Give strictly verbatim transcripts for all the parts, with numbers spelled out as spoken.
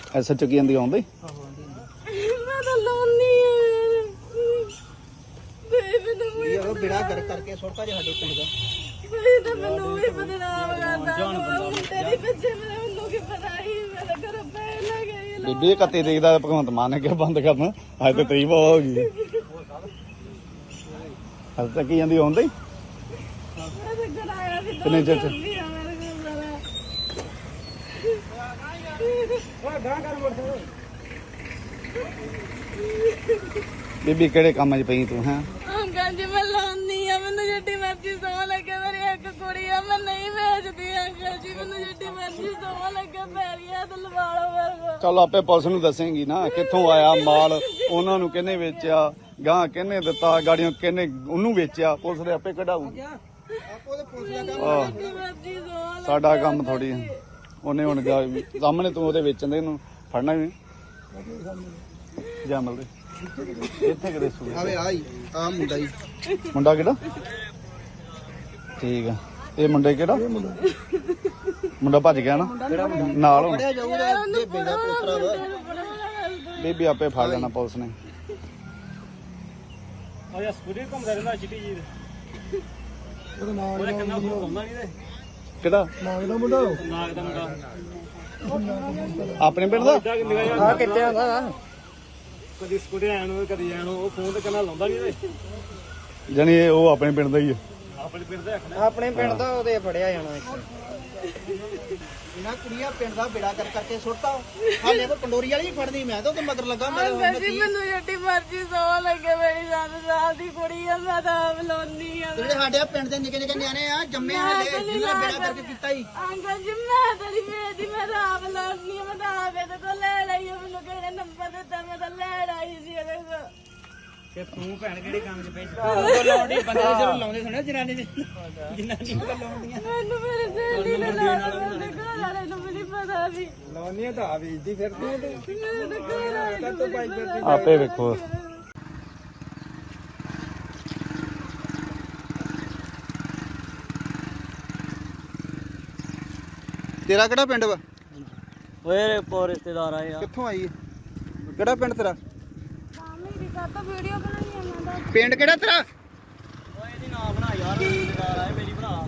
ਐਸਾ ਚੁੱਕੀ ਜਾਂਦੀ ਆਉਂਦੀ ਮੈਂ ਤਾਂ ਲਾਉਣੀ ਆ ਇਹ ਬਿੜਾ ਕਰ ਕਰਕੇ ਸੁੱਟਾ ਜੇ ਸਾਡੇ ਪਿੰਡ ਦਾ ਬਈ ਤਾਂ ਮੈਨੂੰ ਵੀ ਬਦਨਾਮ ਕਰਦਾ ਤੇਰੀ ਪਿੱਛੇ ਮੈਨੂੰ ਕੀ ਪਤਾ ਹੀ ਮੇਰੇ ਘਰ ਪੈ ਲੱਗੇ ਬੀਬੀ ਕੱਤੀ ਤਰੀਕ ਦਾ ਭਗਵੰਤ ਮਾਨ ਨੇ ਕਿਹਾ ਬੰਦ ਕਰਨਾ ਅੱਜ ਤੇ ਤਰੀਕ ਬਹੁਤ ਹੋ ਗਈ ਹਲ ਤੱਕ ਹੀ ਜਾਂਦੀ ਆਉਂਦੀ ਕਿੰਨੇ ਚਿਰ ਚ ਬੀਬੀ ਕਿਹੜੇ ਕੰਮ 'ਚ ਪਈ ਤੂੰ ਹੈਂ ਅੰਕਲ ਜੀ ਮੈਂ ਲਾਉਣੀ ਆ ਮੈਨੂੰ ਜਿੱਡੀ ਮਰਜ਼ੀ ਸੌ ਲੱਗੇ ਮੇਰੀ ਇੱਕ ਕੁੜੀ ਆ ਮੈਂ ਨਹੀਂ ਵੇਚਦੀ ਅੰਕਲ ਜੀ ਮੈਨੂੰ ਜਿੱਡੀ ਮਰਜ਼ੀ ਸੌ ਲੱਗੇ ਪੈਰੀਆਂ ਤੇ ਲਵਾ ਲਓ ਮੇਰੇ ਚੱਲ ਆਪੇ ਪੁਲਿਸ ਨੂੰ ਦੱਸੇਂਗੀ ਨਾ ਕਿੱਥੋਂ ਆਇਆ ਮਾਲ ਉਹਨਾਂ ਨੂੰ ਕਿਹਨੇ ਵੇਚਿਆ ਗਾਂ ਕਿਹਨੇ ਦਿੱਤਾ ਗਾੜੀਆਂ ਕਿਹਨੇ ਉਹਨੂੰ ਵੇਚਿਆ ਪੁਲਿਸ ਦੇ ਆਪੇ ਕਢਾਊਗੀ ਸਾਡਾ ਕੰਮ ਥੋੜੀ ਉਹਨੇ ਹੁਣ ਸਾਹਮਣੇ ਤੂੰ ਉਹਦੇ ਵੇਚਣ ਦੇ ਇਹਨੂੰ ਫੜਨਾ ਵੀ ਜਾ ਮਿਲਦੇ ਇੱਥੇ ਕਿਤੇ ਸੂ ਆਵੇ ਆਈ ਆ ਮੁੰਡਾ ਹੀ ਮੁੰਡਾ ਕਿਹੜਾ ਠੀਕ ਆ ਇਹ ਮੁੰਡੇ ਕਿਹੜਾ ਮੁੰਡਾ ਭੱਜ ਗਿਆ ਨਾ ਨਾਲ ਹੁਣ ਫੜਿਆ ਜਾਊਗਾ ਬੇਬੇ ਦਾ ਪੋਤਰਾ ਵਾ ਬੀਬੀ ਆਪੇ ਫੜ ਲੈਣਾ ਪੁਲਿਸ ਨੇ ਆ ਯਾ ਸਕੂਟਰ ਘੁੰਮਦਾ ਰਹਿੰਦਾ ਚਿੱਟੀ ਜੀ ਦੇ ਉਹਦਾ ਨਾਮ ਉਹਦੇ ਕੰਨਾਂ ਤੋਂ ਘੁੰਮਦਾ ਨਹੀਂ ਤੇ ਕਿਹੜਾ ਨਾਗ ਦਾ ਮੁੰਡਾ ਨਾਗ ਦਾ ਮੁੰਡਾ ਆਪਣੇ ਪਿੰਡ ਦਾ ਆ ਕਿੱਥੇ ਆਉਂਦਾ ਕਦੀ ਸਕੂਟਰ ਆਣ ਨੂੰ ਕਦੀ ਆਣ ਉਹ ਫੋਨ ਤੇ ਕੰਨਾਂ ਲਾਉਂਦਾ ਨਹੀਂ ਤੇ ਜਾਨੀ ਇਹ ਉਹ ਆਪਣੇ ਪਿੰਡ ਦਾ ਹੀ ਹੈ ਆਪਣੇ ਪਿੰਡ ਦਾ ਰੱਖਣਾ ਆਪਣੇ ਪਿੰਡ ਦਾ ਉਹਦੇ ਫੜਿਆ ਜਾਣਾ ਇਹਨਾਂ ਕੁੜੀਆਂ ਪਿੰਡ ਦਾ ਬੇੜਾ ਕਰ ਕਰਕੇ ਸੁੱਟਾ ਹਾਲੇ ਕੋ ਪੰਡੋਰੀ ਵਾਲੀ ਫੜਨੀ ਮੈਂ ਤਾਂ ਉਹਦੇ ਮਗਰ ਲੱਗਾ ਮੈਂ ਅੰਕਲ ਜੀ ਮੈਨੂੰ ਜਿੱਡੀ ਮਰਜ਼ੀ ਸੌ ਲੱਗੇ ਮੇਰੀ ਸੱਤ ਸਾਲ ਦੀ ਕੁੜੀ ਆ ਮੈਂ ਤਾਂ ਆਪ ਲਾਉਣੀ ਆ ਜਿਹੜੇ ਸਾਡੇ ਪਿੰਡ ਦੇ ਨਿੱਕੇ ਨਿੱਕੇ ਨਿਆਣੇ ਆ ਜੰਮੇ ਹਾਲੇ ਜਿਹਨਾਂ ਬੇੜਾ ਕਰਕੇ ਕੀਤਾ ਹੀ ਅੰਕਲ ਜੀ ਮੈਂ ਤਾਂ ਨਹੀਂ ਵੇਚਦੀ ਮੈਂ ਤਾਂ ਆਪ ਲਾਉਣੀ ਆ ਮੈਂ ਤਾਂ ਆਪ ਇਹਦੇ ਕੋਲ ਲੈ ਲਈ ਆ ਮੈਨੂੰ ਕਿਹੜੇ ਨੰਬਰ ਦਿੱਤਾ ਮੈਂ ਤਾਂ ਲੈ ਆਈ ਸੀ ਇਹਦੇ ਕੋਲ ਤੇ ਤੂੰ ਭੈਣ ਕਿਹੜੇ ਕੰਮ 'ਚ ਪਈ ਉਹ ਲਾਉਂਦੀ ਬੰਦੇ ਜਦੋਂ ਲਾਉਂਦੇ ਸੁਣਿਆ ਜਨਾਨੀ ਦੇ ਜਨਾਨੀ ਨੂੰ ਲਾਉਂਦੀਆਂ ਮੈਨੂੰ ਮੇਰੇ ਸਹੇਲੀ ਨੇ ਲਾਉਣਾ ਮੇਰੇ ਘਰ ਵਾਲੇ ਨੂੰ ਵੀ ਨਹੀਂ ਪਤਾ ਵੀ ਲਾਉਂਦੀਆਂ ਤਾਂ ਆ ਵੇਚਦੀ ਫਿਰਦੀ ਤੇ ਮੇਰੇ ਘਰ ਵਾਲੇ ਨੂੰ ਵੀ ਨਹੀਂ ਪਤਾ ਆਪੇ ਵੇਖੋ ਤੇਰਾ ਕਿਹੜਾ ਪਿੰਡ ਵਾ ਓਏ ਪੋ ਰਿਸ਼ਤੇਦਾਰ ਆਏ ਆ ਕਿੱਥੋਂ ਆਈ ਕਿਹੜਾ ਪਿੰਡ ਤੇਰਾ ਮੇਰੀ ਕਾਤਾ ਵੀਡੀਓ ਬਣਾਈ ਜਾਂਦਾ ਪਿੰਡ ਕਿਹੜਾ ਤੇਰਾ ਓਏ ਇਹਦੀ ਨਾ ਬਣਾ ਯਾਰ ਰਿਸ਼ਤੇਦਾਰ ਆਏ ਮੇਰੀ ਭਰਾ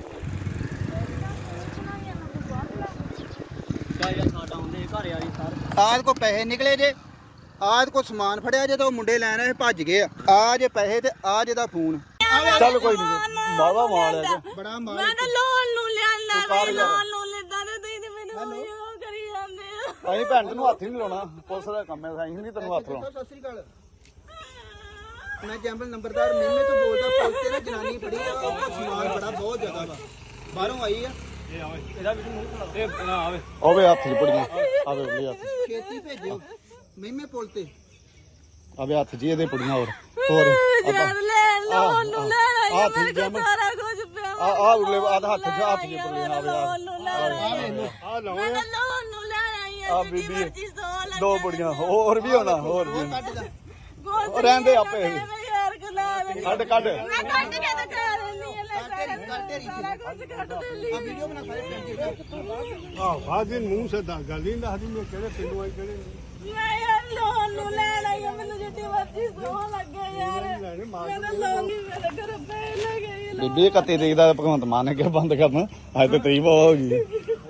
ਕਾ ਯਾਰ ਸਾਡਾ ਹੁੰਦੇ ਘਰ ਵਾਲੀ ਸਾਰ ਆਜ ਕੋ ਪੈਸੇ ਨਿਕਲੇ ਜੇ ਆਜ ਕੋ ਸਮਾਨ ਫੜਿਆ ਜੇ ਤਾਂ ਉਹ ਮੁੰਡੇ ਲੈਣ ਆਏ ਭੱਜ ਗਏ ਆ ਆ ਜੇ ਪੈਸੇ ਤੇ ਆ ਜੇ ਦਾ ਫੋਨ ਚੱਲ ਕੋਈ ਨਹੀਂ ਬਾਵਾ ਮਾਲ ਹੈ ਜੀ ਬੜਾ ਮਾਰ ਮੈਂ ਤਾਂ ਲੋਨ ਨੂੰ ਲਿਆਂਦਾ ਵੇ ਲੋਨ ਨੂੰ ਲੈਂਦਾ ਤੇ ਤੁਸੀਂ ਤੇ ਮੈਨੂੰ ਉਹ ਕਰੀ ਜਾਂਦੇ ਆ ਅਸੀਂ ਭੈਣ ਤੈਨੂੰ ਹੱਥ ਹੀ ਨਹੀਂ ਲਾਉਣਾ ਪੁਲਿਸ ਦਾ ਕੰਮ ਹੈ ਅਸੀਂ ਨਹੀਂ ਤੈਨੂੰ ਹੱਥ ਲਾਉਣਾ ਸਤਿ ਸ੍ਰੀ ਅਕਾਲ ਮੈਂ ਜੰਬਲ ਨੰਬਰਦਾਰ ਮੇਮੇ ਤੋਂ ਬੋਲਦਾ ਪੁਲਿਸ ਤੇ ਨਾ ਜਨਾਨੀ ਫੜੀ ਆ ਉਹਦਾ ਸਮਾਨ ਬੜਾ ਬਹੁਤ ਜ਼ਿਆਦਾ ਵਾ ਬਾਹਰੋਂ ਆਈ ਆ ਇਹ ਆਵੇ ਇਹਦਾ ਵੀ ਮੂੰਹ ਇਹ ਨਾ ਆਵੇ ਆਵੇ ਹੱਥ 'ਚ ਪੁੜੀਆਂ ਆਵੇ ਉਹਦੇ ਹੱਥ ਛੇਤੀ ਭੇਜਿਓ ਮੇਮੇ ਪੁਲ ਤੇ ਆਵੇ ਹੱਥ 'ਚ ਇਹਦੇ ਪੁੜੀਆਂ ਹੋਰ ਹੋਰ ਯਾਰ ਲੈ ਲੋਨ ਨੂੰ ਲੈ ਆਈ ਆ ਮੇਰੇ ਠੀਕ ਕੋਲ ਜਮ ਸਾਰਾ ਕੁਝ ਪਿਆ ਆ ਆ ਉਰਲੇ ਆ ਹੱਥ 'ਚ ਹੱਥ 'ਚ ਪੁੜੀਆਂ ਆਵੇ ਲੋਨ ਨੂੰ ਲੈ ਆਈ ਆ ਲਓ ਮੈਂ ਤਾਂ ਲੋਨ ਨੂੰ ਲੈ ਆਈ ਆ ਆ ਬੀਬੀ ਮਰਜ਼ੀ ਸੌ ਲੱਗੇ ਦੋ ਪੁੜੀਆਂ ਹੋਰ ਵੀ ਹੋਣਾ ਹੋਰ ਵੀ ਕੱਢ ਦਾ ਉਹ ਰਹਿੰਦੇ ਆਪੇ ਯਾਰ ਗੁਲਾਬ ਕੱਢ ਕੱਢ ਮੈਂ ਕੱਢ ਕੇ ਤਾਂ ਕਹਿ ਦਿੰਦੀ ਆ ਲੈ ਸਾਰਾ ਕਰ ਤੇਰੀ ਸਾਰਾ ਕੁਝ ਕੱਢ ਦੇ ਲਈ ਆ ਵੀਡੀਓ ਬਣਾ ਸਾਰੇ ਪਿੰਡ ਦੀ ਆਹ ਬਾਜੀ ਮੂੰਹ ਸੇ ਦਾ ਗੱਲ ਨਹੀਂ ਦੱਸਦੀ ਮੈਂ ਕਿਹੜੇ ਪਿੰਡੋਂ ਆਈ ਕਿਹੜੇ ਮੈਂ ਯਾਰ ਲੋਨ ਨੂੰ ਲੈ ਲਈ ਆ ਮੈਨੂੰ ਜਿੱਡੀ ਮਰਜ਼ੀ ਸੌ ਲੱਗੇ ਯਾਰ ਮੈਂ ਤਾਂ ਲੋਨ ਨਹੀਂ ਮੇਰੇ ਘਰ ਪੈ ਲੱਗੇ ਬੀਬੀ ਇਕੱਤੀ ਤਰੀਕ ਦਾ ਭਗਵੰਤ ਮਾਨ ਨੇ ਕਿਹਾ ਬੰਦ ਕਰਨਾ ਅੱਜ ਤੇ ਤਰੀਕ ਬਹੁਤ ਹੋ ਗਈ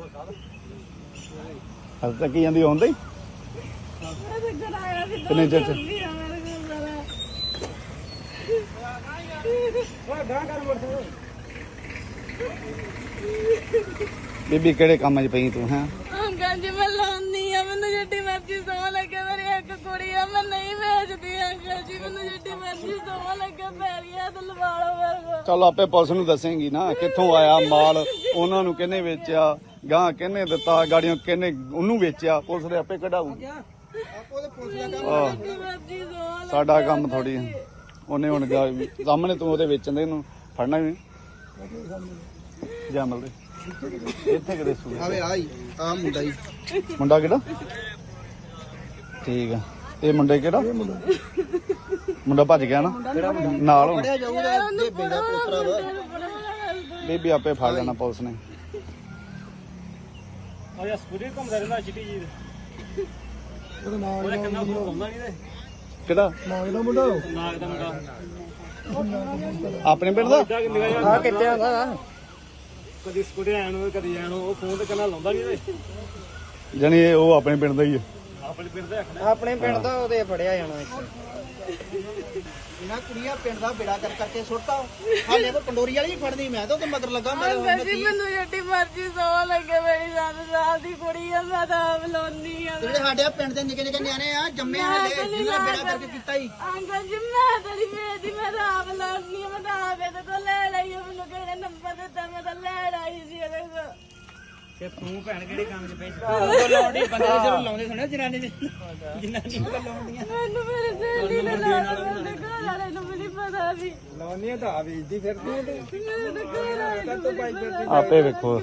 ਹਲ ਤੱਕ ਹੀ ਜਾਂਦੀ ਆਉਂਦੀ ਮੈਂ ਤਾਂ ਘਰ ਆਇਆ ਸੀ ਕਿੰਨੇ ਚਿਰ ਚ ਓਏ ਗਾਂ ਕਰ ਮੁੜ ਬੀਬੀ ਕਿਹੜੇ ਕੰਮ 'ਚ ਪਈ ਤੂੰ ਹੈਂ ਅੰਕਲ ਜੀ ਮੈਂ ਲਾਉਣੀ ਆ ਮੈਨੂੰ ਜਿੱਡੀ ਮਰਜ਼ੀ ਸੌ ਲੱਗੇ ਮੇਰੀ ਇੱਕ ਕੁੜੀ ਆ ਮੈਂ ਨਹੀਂ ਵੇਚਦੀ ਅੰਕਲ ਜੀ ਮੈਨੂੰ ਜਿੱਡੀ ਮਰਜ਼ੀ ਸੌ ਲੱਗੇ ਪੈਰੀਆਂ ਤੇ ਲਵਾ ਲਓ ਮੇਰੇ ਚੱਲ ਆਪੇ ਪੁਲਿਸ ਨੂੰ ਦੱਸੇਂਗੀ ਨਾ ਕਿੱਥੋਂ ਆਇਆ ਮਾਲ ਉਹਨਾਂ ਨੂੰ ਕਿਹਨੇ ਵੇਚਿਆ ਗਾਂ ਕਿਹਨੇ ਦਿੱਤਾ ਗਾੜੀਆਂ ਕਿਹਨੇ ਉਹਨੂੰ ਵੇਚਿਆ ਪੁਲਿਸ ਦੇ ਆਪੇ ਕਢਾਊਗੀ ਆਪੋ ਦੇ ਪੁਲਿਸ ਦਾ ਕੰਮ ਆਹ ਜਿੱਡੀ ਮਰਜ਼ੀ ਸੌ ਸਾਡਾ ਕੰਮ ਥੋੜੀ ਉਹਨੇ ਹੁਣ ਸਾਹਮਣੇ ਤੂੰ ਉਹਦੇ ਵੇਚਣ ਦੇ ਇਹਨੂੰ ਫੜਨਾ ਵੀ ਜਾ ਮਿਲਦੇ ਇੱਥੇ ਕਿਤੇ ਸੂ ਆਵੇ ਆਈ ਆ ਮੁੰਡਾ ਹੀ ਮੁੰਡਾ ਕਿਹੜਾ ਠੀਕ ਆ ਇਹ ਮੁੰਡੇ ਕਿਹੜਾ ਮੁੰਡਾ ਭੱਜ ਗਿਆ ਨਾ ਨਾਲ ਹੁਣ ਫੜਿਆ ਜਾਊਗਾ ਬੇਬੇ ਦਾ ਪੋਤਰਾ ਵਾ ਬੀਬੀ ਆਪੇ ਫੜ ਲੈਣਾ ਪੁਲਿਸ ਨੇ ਆ ਯਾ ਸਕੂਟਰ ਘੁੰਮਦਾ ਰਹਿੰਦਾ ਚਿੱਟੀ ਜੀ ਦੇ ਉਹਦੇ ਕੰਨਾਂ ਫੋਨ ਲਾਉਂਦਾ ਨਹੀਂ ਤੇ ਕਿਹੜਾ ਨਾਗ ਦਾ ਮੁੰਡਾ ਨਾਗ ਦਾ ਮੁੰਡਾ ਆਪਣੇ ਪਿੰਡ ਦਾ ਇੱਦਾਂ ਕਿ ਨਿਗਾਹ ਜਿਹਾ ਆ ਕਿੱਥੇ ਆਉਂਦਾ ਕਦੀ ਸਕੂਟਰ ਆਣ ਨੂੰ ਕਦੀ ਜਾਣ ਨੂੰ ਉਹ ਫੋਨ ਤੇ ਕੰਨਾਂ ਲਾਉਂਦਾ ਨਹੀਂ ਤੇ ਜਾਣੀ ਇਹ ਉਹ ਆਪਣੇ ਪਿੰਡ ਦਾ ਹੀ ਆ ਆਪਣੇ ਪਿੰਡ ਦਾ ਆਖਣਾ ਆਪਣੇ ਪਿੰਡ ਦਾ ਉਹਦੇ ਫੜਿਆ ਜਾਣਾ ਇੱਥੇ ਇਹਨਾਂ ਕੁੜੀਆਂ ਪਿੰਡ ਦਾ ਬੇੜਾ ਕਰ ਕਰਕੇ ਸੁੱਟਤਾ ਹਾਲੇ ਕੋ ਪੰਡੋਰੀ ਵਾਲੀ ਹੀ ਫੜਨੀ ਮੈਂ ਤਾਂ ਉਹਦੇ ਮਗਰ ਲੱਗਾ ਮੇਰੇ ਅੰਕਲ ਜੀ ਮੈਨੂੰ ਜਿੱਡੀ ਮਰਜ਼ੀ ਸੌ ਲੱਗੇ ਮੇਰੀ ਸੱਤ ਸਾਲ ਦੀ ਕੁੜੀ ਆ ਮੈਂ ਤਾਂ ਆਪ ਲਾਉਂਦੀ ਆ ਜਿਹੜੇ ਸਾਡੇ ਆ ਪਿੰਡ ਦੇ ਨਿੱਕੇ ਨਿੱਕੇ ਨਿਆਣੇ ਆ ਜੰਮੇ ਹਾਲੇ ਜਿਹਨਾਂ ਬੇੜਾ ਕਰਕੇ ਕੀਤਾ ਹੀ ਅੰਕਲ ਜੀ ਮੈਂ ਤੇਰੀ ਵੇਚਦੀ ਮੈਂ ਤਾਂ ਆਪ ਲਾਉਂਦੀ ਆ ਮੈਂ ਤਾਂ ਆਪ ਇਹਦੇ ਕੋਲ ਲੈ ਲਈ ਆ, ਮੈਨੂੰ ਕਿਹੜੇ ਨੰਬਰ ਦਿੱਤਾ ਮੈਂ ਤਾਂ ਲੈ ਆਈ ਸੀ ਇਹਦੇ ਕੋਲ ਤੇ ਤੂੰ ਭੈਣ ਕਿਹੜੇ ਕੰਮ 'ਚ ਪਈ ਲਾਉਂਦੀ ਬੰਦੇ ਜਦੋਂ ਲਾਉਂਦੇ ਸੁਣਿਆ ਜਨਾਨੀ ਦੇ ਜਨਾਨੀ ਨੂੰ ਲਾਉਂਦੀਆਂ ਮੈਨੂੰ ਮੇਰੇ ਸਹੇਲੀ ਨੇ ਲਾਇਆ ਮੇਰੇ ਘਰ ਵਾਲੇ ਨੂੰ ਵੀ ਨਹੀਂ ਪਤਾ ਸੀ ਲਾਉਂਦੀਆਂ ਤਾਂ ਆ ਵੇਚਦੀ ਫਿਰਦੀ ਆ ਤੇ ਮੇਰੇ ਘਰ ਵਾਲੇ ਨੂੰ ਵੀ ਨਹੀਂ ਪਤਾ ਆਪੇ ਵੇਖੋ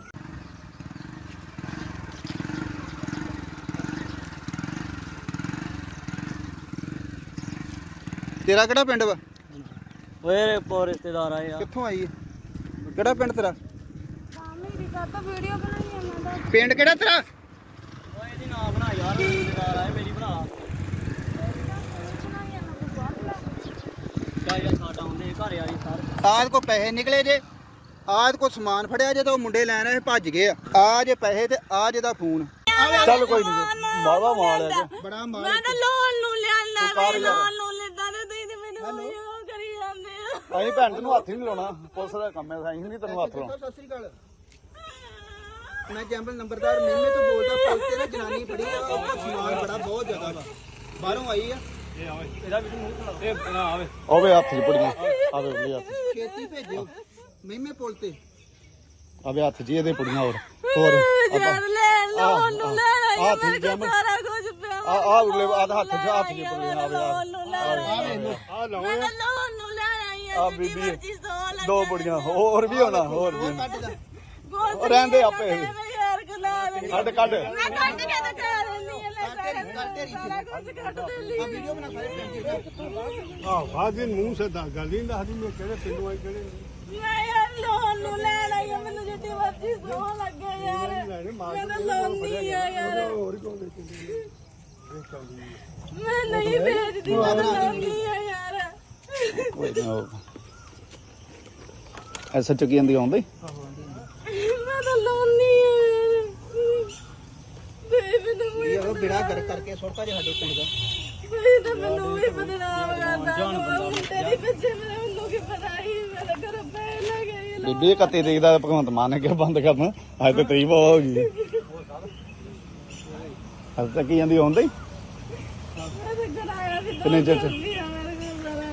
ਤੇਰਾ ਕਿਹੜਾ ਪਿੰਡ ਵਾ ਓਏ ਪੋ ਰਿਸ਼ਤੇਦਾਰ ਆਏ ਆ ਕਿੱਥੋਂ ਆਈ ਹੈ ਕਿਹੜਾ ਪਿੰਡ ਤੇਰਾ ਮੇਰੀ ਕਾਤਾ ਵੀਡੀਓ ਬਣਾਈ ਆ ਮੈਂ ਤਾਂ ਪਿੰਡ ਕਿਹੜਾ ਤੇਰਾ ਓਏ ਇਹਦੀ ਨਾ ਬਣਾ ਯਾਰ ਰਿਸ਼ਤੇਦਾਰ ਆਏ ਮੇਰੀ ਬਣਾ ਬਣਾਈ ਆ ਮੈਂ ਬਾਹਰ ਲੈ ਕਾ ਯਾਰ ਸਾਡਾ ਆਉਂਦੇ ਘਰ ਯਾਰੀ ਸਰ ਆਜ ਕੋ ਪੈਸੇ ਨਿਕਲੇ ਜੇ ਆਜ ਕੋ ਸਮਾਨ ਫੜਿਆ ਜੇ ਤਾਂ ਉਹ ਮੁੰਡੇ ਲੈਣ ਆਏ ਭੱਜ ਗਏ ਆ ਆ ਜੇ ਪੈਸੇ ਤੇ ਆ ਜੇ ਦਾ ਫੋਨ ਚੱਲ ਕੋਈ ਨਹੀਂ ਬਾਵਾ ਮਾਲ ਹੈ ਬੜਾ ਮਾਰ ਮੈਂ ਤਾਂ ਲੋਨ ਨੂੰ ਲਿਆਂਦਾ ਮੈਂ ਲੋਨ ਨੂੰ ਲੈਂਦਾ ਤੇ ਤੁਸੀਂ ਤੇ ਮੈਨੂੰ ਉਹ ਕਰੀ ਜਾਂਦੇ ਆ ਅਸੀਂ ਭੈਣ ਤੈਨੂੰ ਹੱਥ ਹੀ ਨਹੀਂ ਲਾਉਣਾ ਪੁਲਿਸ ਦਾ ਕੰਮ ਹੈ ਅਸੀਂ ਨਹੀਂ ਤੈਨੂੰ ਹੱਥ ਲਾਉਣਾ ਸਤਿ ਸ੍ਰੀ ਅਕਾਲ ਮੈਂ ਜੰਬਲ ਨੰਬਰਦਾਰ ਮੇਮੇ ਤੋਂ ਬੋਲਦਾ ਪੁਲਿਸ ਤੇ ਨਾ ਜਨਾਨੀ ਫੜੀ ਆ ਉਹਦਾ ਸਮਾਨ ਬੜਾ ਬਹੁਤ ਜ਼ਿਆਦਾ ਵਾ ਬਾਹਰੋਂ ਆਈ ਆ ਇਹ ਆਵੇ ਇਹਦਾ ਵੀ ਮੂੰਹ ਖੜਾ ਇਹ ਨਾ ਆਵੇ ਆਵੇ ਹੱਥ 'ਚ ਪੜੀਆਂ ਆਵੇ ਉਹਦੇ ਹੱਥ ਛੇਤੀ ਭੇਜਿਓ ਮੇਮੇ ਪੁਲ ਤੇ ਆਵੇ ਹੱਥ 'ਚ ਇਹਦੇ ਪੜੀਆਂ ਹੋਰ ਹੋਰ ਯਾਰ ਲੈ ਲੋਨ ਨੂੰ ਲੈ ਆਹ ਆਈ ਠੀਕ ਮੇਰੇ ਹੈ ਕੋਲ ਸਾਰਾ ਕੁਝ ਪਿਆ ਆ ਆ ਉਰਲੇ ਆ ਹੱਥ 'ਚ ਹੱਥ 'ਚ ਪੜੀਆਂ ਆਵੇ ਲੋਨ ਨੂੰ ਲੈ ਆਈ ਆ ਲਾਓ ਮੈਂ ਤਾਂ ਲੋਨ ਨੂੰ ਲੈ ਆਈ ਆ ਆ ਜਿੱਡੀ ਬੀਬੀ ਮਰਜ਼ੀ ਸੌ ਲੱਗੇ ਦੋ ਬੜੀਆਂ ਹੋਰ ਵੀ ਹੋਣਾ ਹੋਰ ਵੀ ਕੱਢ ਦਾ ਉਹ ਰਹਿੰਦੇ ਆਪੇ ਯਾਰ ਗੁਲਾਬ ਕੱਢ ਕੱਢ ਮੈਂ ਕੱਢ ਕੇ ਤਾਂ ਕਰ ਲੈਂਦੀ ਆ ਲੈ ਸਾਰਾ ਕੱਢ ਤੇਰੀ ਸਾਰਾ ਕੁਝ ਕੱਢ ਦੇ ਲਈ ਆ ਵੀਡੀਓ ਬਣਾ ਸਾਰੇ ਪਿੰਡ ਦੀ ਆਹ ਬਾਜੀ ਮੂੰਹ ਸੇ ਦੱਸ ਗੱਲ ਨਹੀਂ ਦੱਸਦੀ ਮੈਂ ਕਿਹੜੇ ਪਿੰਡੋਂ ਆਈ ਕਿਹੜੇ ਨਹੀਂ। ਮੈਂ ਯਾਰ ਲੋਨ ਨੂੰ ਲੈ ਲਈ ਆ ਮੈਨੂੰ ਜਿੱਡੀ ਮਰਜ਼ੀ ਸੌ ਲੱਗੇ ਯਾਰ ਮੈਂ ਤਾਂ ਲਾਉਂਦੀ ਆ ਯਾਰ ਹੋਰ ਕਿਉਂ ਦੇਖੀ ਮੈਂ ਨਹੀਂ ਵੇਚਦੀ ਮੈਂ ਤਾਂ ਲਾਉਂਦੀ ਆ ਯਾਰ ਐਸਾ ਚੁੱਕੀ ਜਾਂਦੀ ਆਉਂਦੀ ਮੈਂ ਤਾਂ ਲਾਉਂਦੀ ਆ ਯਾਰ ਤੇ ਮੈਨੂੰ ਵੀ ਉਹ ਬੇੜਾ ਕਰ ਕਰਕੇ ਸੁੱਟਤਾ ਜੇ ਸਾਡੇ ਪਿੰਡ ਦਾ ਕੋਈ ਤਾਂ ਮੈਨੂੰ ਵੀ ਬਦਨਾਮ ਕਰਦਾ ਤੇਰੀ ਪਿੱਛੇ ਮੇਰੇ ਮੈਨੂੰ ਕੀ ਪਤਾ ਹੀ ਮੇਰੇ ਘਰ ਪੈ ਲੱਗੇ ਬੀਬੀ ਇਕੱਤੀ ਤਰੀਕ ਦਾ ਭਗਵੰਤ ਮਾਨ ਨੇ ਕਿਹਾ ਬੰਦ ਕਰਨਾ ਅੱਜ ਤੇ ਤਰੀਕ ਬਹੁਤ ਹੋ ਗਈ ਅੱਜ ਤੱਕ ਕੀ ਜਾਂਦੀ ਆਉਂਦੀ ਮੈਂ ਤਾਂ ਘਰ ਆਇਆ ਸੀ ਕਿੰਨੇ ਚਿਰ ਚ? ਮੇਰੇ ਕੋਲ ਸਾਰਾ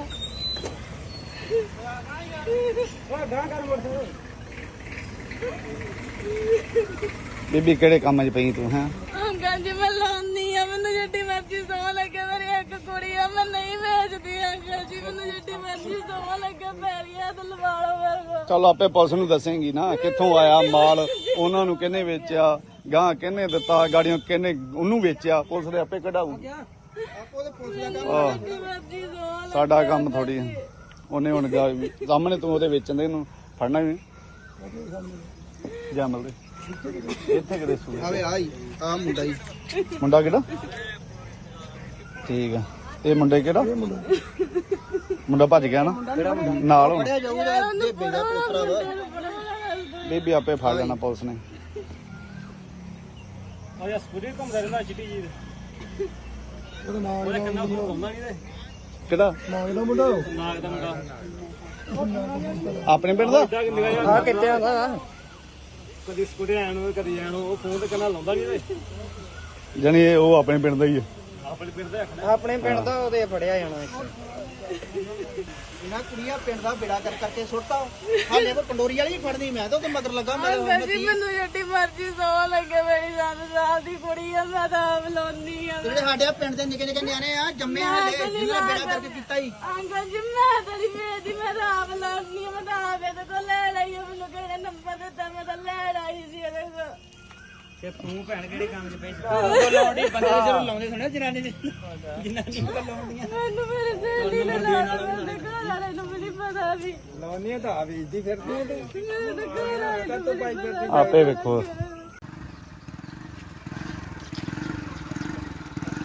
ਬੀਬੀ ਕਿਹੜੇ ਕੰਮ 'ਚ ਪਈ ਤੂੰ ਹੈਂ ਅੰਕਲ ਜੀ ਮੈਂ ਲਾਉਂਦੀ ਆ ਮੈਨੂੰ ਜਿੱਡੀ ਮਰਜ਼ੀ ਸੌ ਲੱਗੇ ਮੇਰੀ ਇੱਕ ਕੁੜੀ ਆ ਮੈਂ ਨਹੀਂ ਵੇਚਦੀ ਅੰਕਲ ਜੀ ਮੈਨੂੰ ਜਿੱਡੀ ਮਰਜ਼ੀ ਸੌ ਲੱਗੇ ਪੈਰੀਆਂ ਤੇ ਲਵਾ ਲਓ ਮੇਰੇ ਕੋਲ ਚੱਲ ਆਪੇ ਪੁਲਿਸ ਨੂੰ ਦੱਸੇਂਗੀ ਨਾ ਕਿੱਥੋਂ ਆਇਆ ਮਾਲ ਉਹਨਾਂ ਨੂੰ ਕਿਹਨੇ ਵੇਚਿਆ ਗਾਂ ਕਿਹਨੇ ਦਿੱਤਾ ਗਾੜੀਆਂ ਕਿਹਨੇ ਉਹਨੂੰ ਵੇਚਿਆ ਪੁਲਿਸ ਦੇ ਆਪੇ ਕਢਾਊਗੀ ਆਪੋ ਦੇ ਪੁਲਿਸ ਦਾ ਕੰਮ ਆਹ, ਜਿੱਡੀ ਮਰਜ਼ੀ ਸੌ ਲੱਗੇ ਸਾਡਾ ਕੰਮ ਥੋੜੀ ਉਹਨੇ ਹੁਣ ਗਾ- ਸਾਹਮਣੇ ਤੂੰ ਉਹਦੇ ਵੇਚਣ ਦੇ ਨੂੰ ਫੜਨਾ ਵੀ ਜਮਲ ਦੇ ਇੱਥੇ ਕਿਤੇ ਸੂ ਆਵੇ ਆਈ ਆ ਮੁੰਡਾ ਹੀ ਮੁੰਡਾ ਕਿਹੜਾ ਠੀਕ ਆ ਇਹ ਮੁੰਡੇ ਕਿਹੜਾ ਮੁੰਡਾ ਭੱਜ ਗਿਆ ਨਾ ਨਾਲ ਹੁਣ ਫੜਿਆ ਜਾਊਗਾ ਬੇਬੇ ਦਾ ਪੋਤਰਾ ਵਾ ਬੀਬੀ ਆਪੇ ਫੜ ਲੈਣਾ ਪੁਲਿਸ ਨੇ ਆ ਯਾ ਸਕੂਟਰ ਘੁੰਮਦਾ ਰਹਿੰਦਾ ਚਿੱਟੀ ਜੀ ਦੇ ਉਹਦੇ ਕੰਨਾਂ ਫੋਨ ਲਾਉਂਦਾ ਨਹੀਂ ਤੇ ਕਿਹੜਾ ਨਾਗ ਦਾ ਮੁੰਡਾ ਨਾਗ ਦਾ ਮੁੰਡਾ ਆਪਣੇ ਪਿੰਡ ਦਾ ਇੱਦਾਂ ਕਿ ਨਿਗਾਹ ਜਿਹਾ ਆ ਕਿੱਥੇ ਆਉਂਦਾ ਕਦੀ ਸਕੂਟਰ ਆਣ ਨੂੰ ਕਦੀ ਜਾਣ ਨੂੰ ਉਹ ਫੋਨ ਤੇ ਕੰਨਾਂ ਲਾਉਂਦਾ ਨਹੀਂ ਤੇ ਜਾਣੀ ਇਹ ਉਹ ਆਪਣੇ ਪਿੰਡ ਦਾ ਹੀ ਆ ਆਪਣੇ ਪਿੰਡ ਦਾ ਆਖਣਾ ਆਪਣੇ ਪਿੰਡ ਦਾ ਉਹਦੇ ਫੜਿਆ ਜਾਣਾ ਇੱਥੇ ਇਹਨਾਂ ਕੁੜੀਆਂ ਪਿੰਡ ਦਾ ਬੇੜਾ ਕਰ ਕਰਕੇ ਸੁੱਟਤਾ ਹਾਲੇ ਕੋ ਪੰਡੋਰੀ ਵਾਲੀ ਹੀ ਫੜਨੀ ਮੈਂ ਤਾਂ ਉਹਦੇ ਮਗਰ ਲੱਗਾ ਮੇਰੇ ਅੰਕਲ ਜੀ ਮੈਨੂੰ ਜਿੱਡੀ ਮਰਜ਼ੀ ਸੌ ਲੱਗੇ ਮੇਰੀ ਸੱਤ ਸਾਲ ਦੀ ਕੁੜੀ ਆ ਮੈਂ ਤਾਂ ਆਪ ਲਾਉਂਦੀ ਆ ਜਿਹੜੇ ਸਾਡੇ ਆ ਪਿੰਡ ਦੇ ਨਿੱਕੇ ਨਿੱਕੇ ਨਿਆਣੇ ਆ ਜੰਮੇ ਹਾਲੇ ਜਿਹਨਾਂ ਬੇੜਾ ਕਰਕੇ ਕੀਤਾ ਹੀ ਅੰਕਲ ਜੀ ਮੈਂ ਤੇਰੀ ਵੇਚਦੀ ਮੈਂ ਤਾਂ ਆਪ ਲਾਉਂਦੀ ਆ ਮੈਂ ਤਾਂ ਆਪ ਇਹਦੇ ਕੋਲ ਲੈ ਲਈ ਆ ਮੈਨੂੰ ਕਿਹੜੇ ਨੰਬਰ ਦਿੱਤਾ ਮੈਂ ਤਾਂ ਲੈ ਆਈ ਸੀ ਇਹਦੇ ਕੋਲ ਤੇ ਤੂੰ ਭੈਣ ਕਿਹੜੇ ਕੰਮ 'ਚ ਪਈ ਲਾਉਂਦੀ ਬੰਦੇ ਜਦੋਂ ਲਾਉਂਦੇ ਸੁਣਿਆ ਜਨਾਨੀ ਦੇ ਜਨਾਨੀ ਨੂੰ ਲਾਉਂਦੀਆਂ ਮੈਨੂੰ ਮੇਰੇ ਸਹੇਲੀ ਨੇ ਲਾਇਆ ਮੇਰੇ ਘਰ ਵਾਲੇ ਨੂੰ ਵੀ ਨਹੀਂ ਪਤਾ ਸੀ ਲਾਉਂਦੀਆਂ ਤਾਂ ਆ ਵੇਚਦੀ ਫਿਰਦੀ ਆ ਤੇ ਮੇਰੇ ਘਰ ਵਾਲੇ ਨੂੰ ਵੀ ਨਹੀਂ ਪਤਾ ਆਪੇ ਵੇਖੋ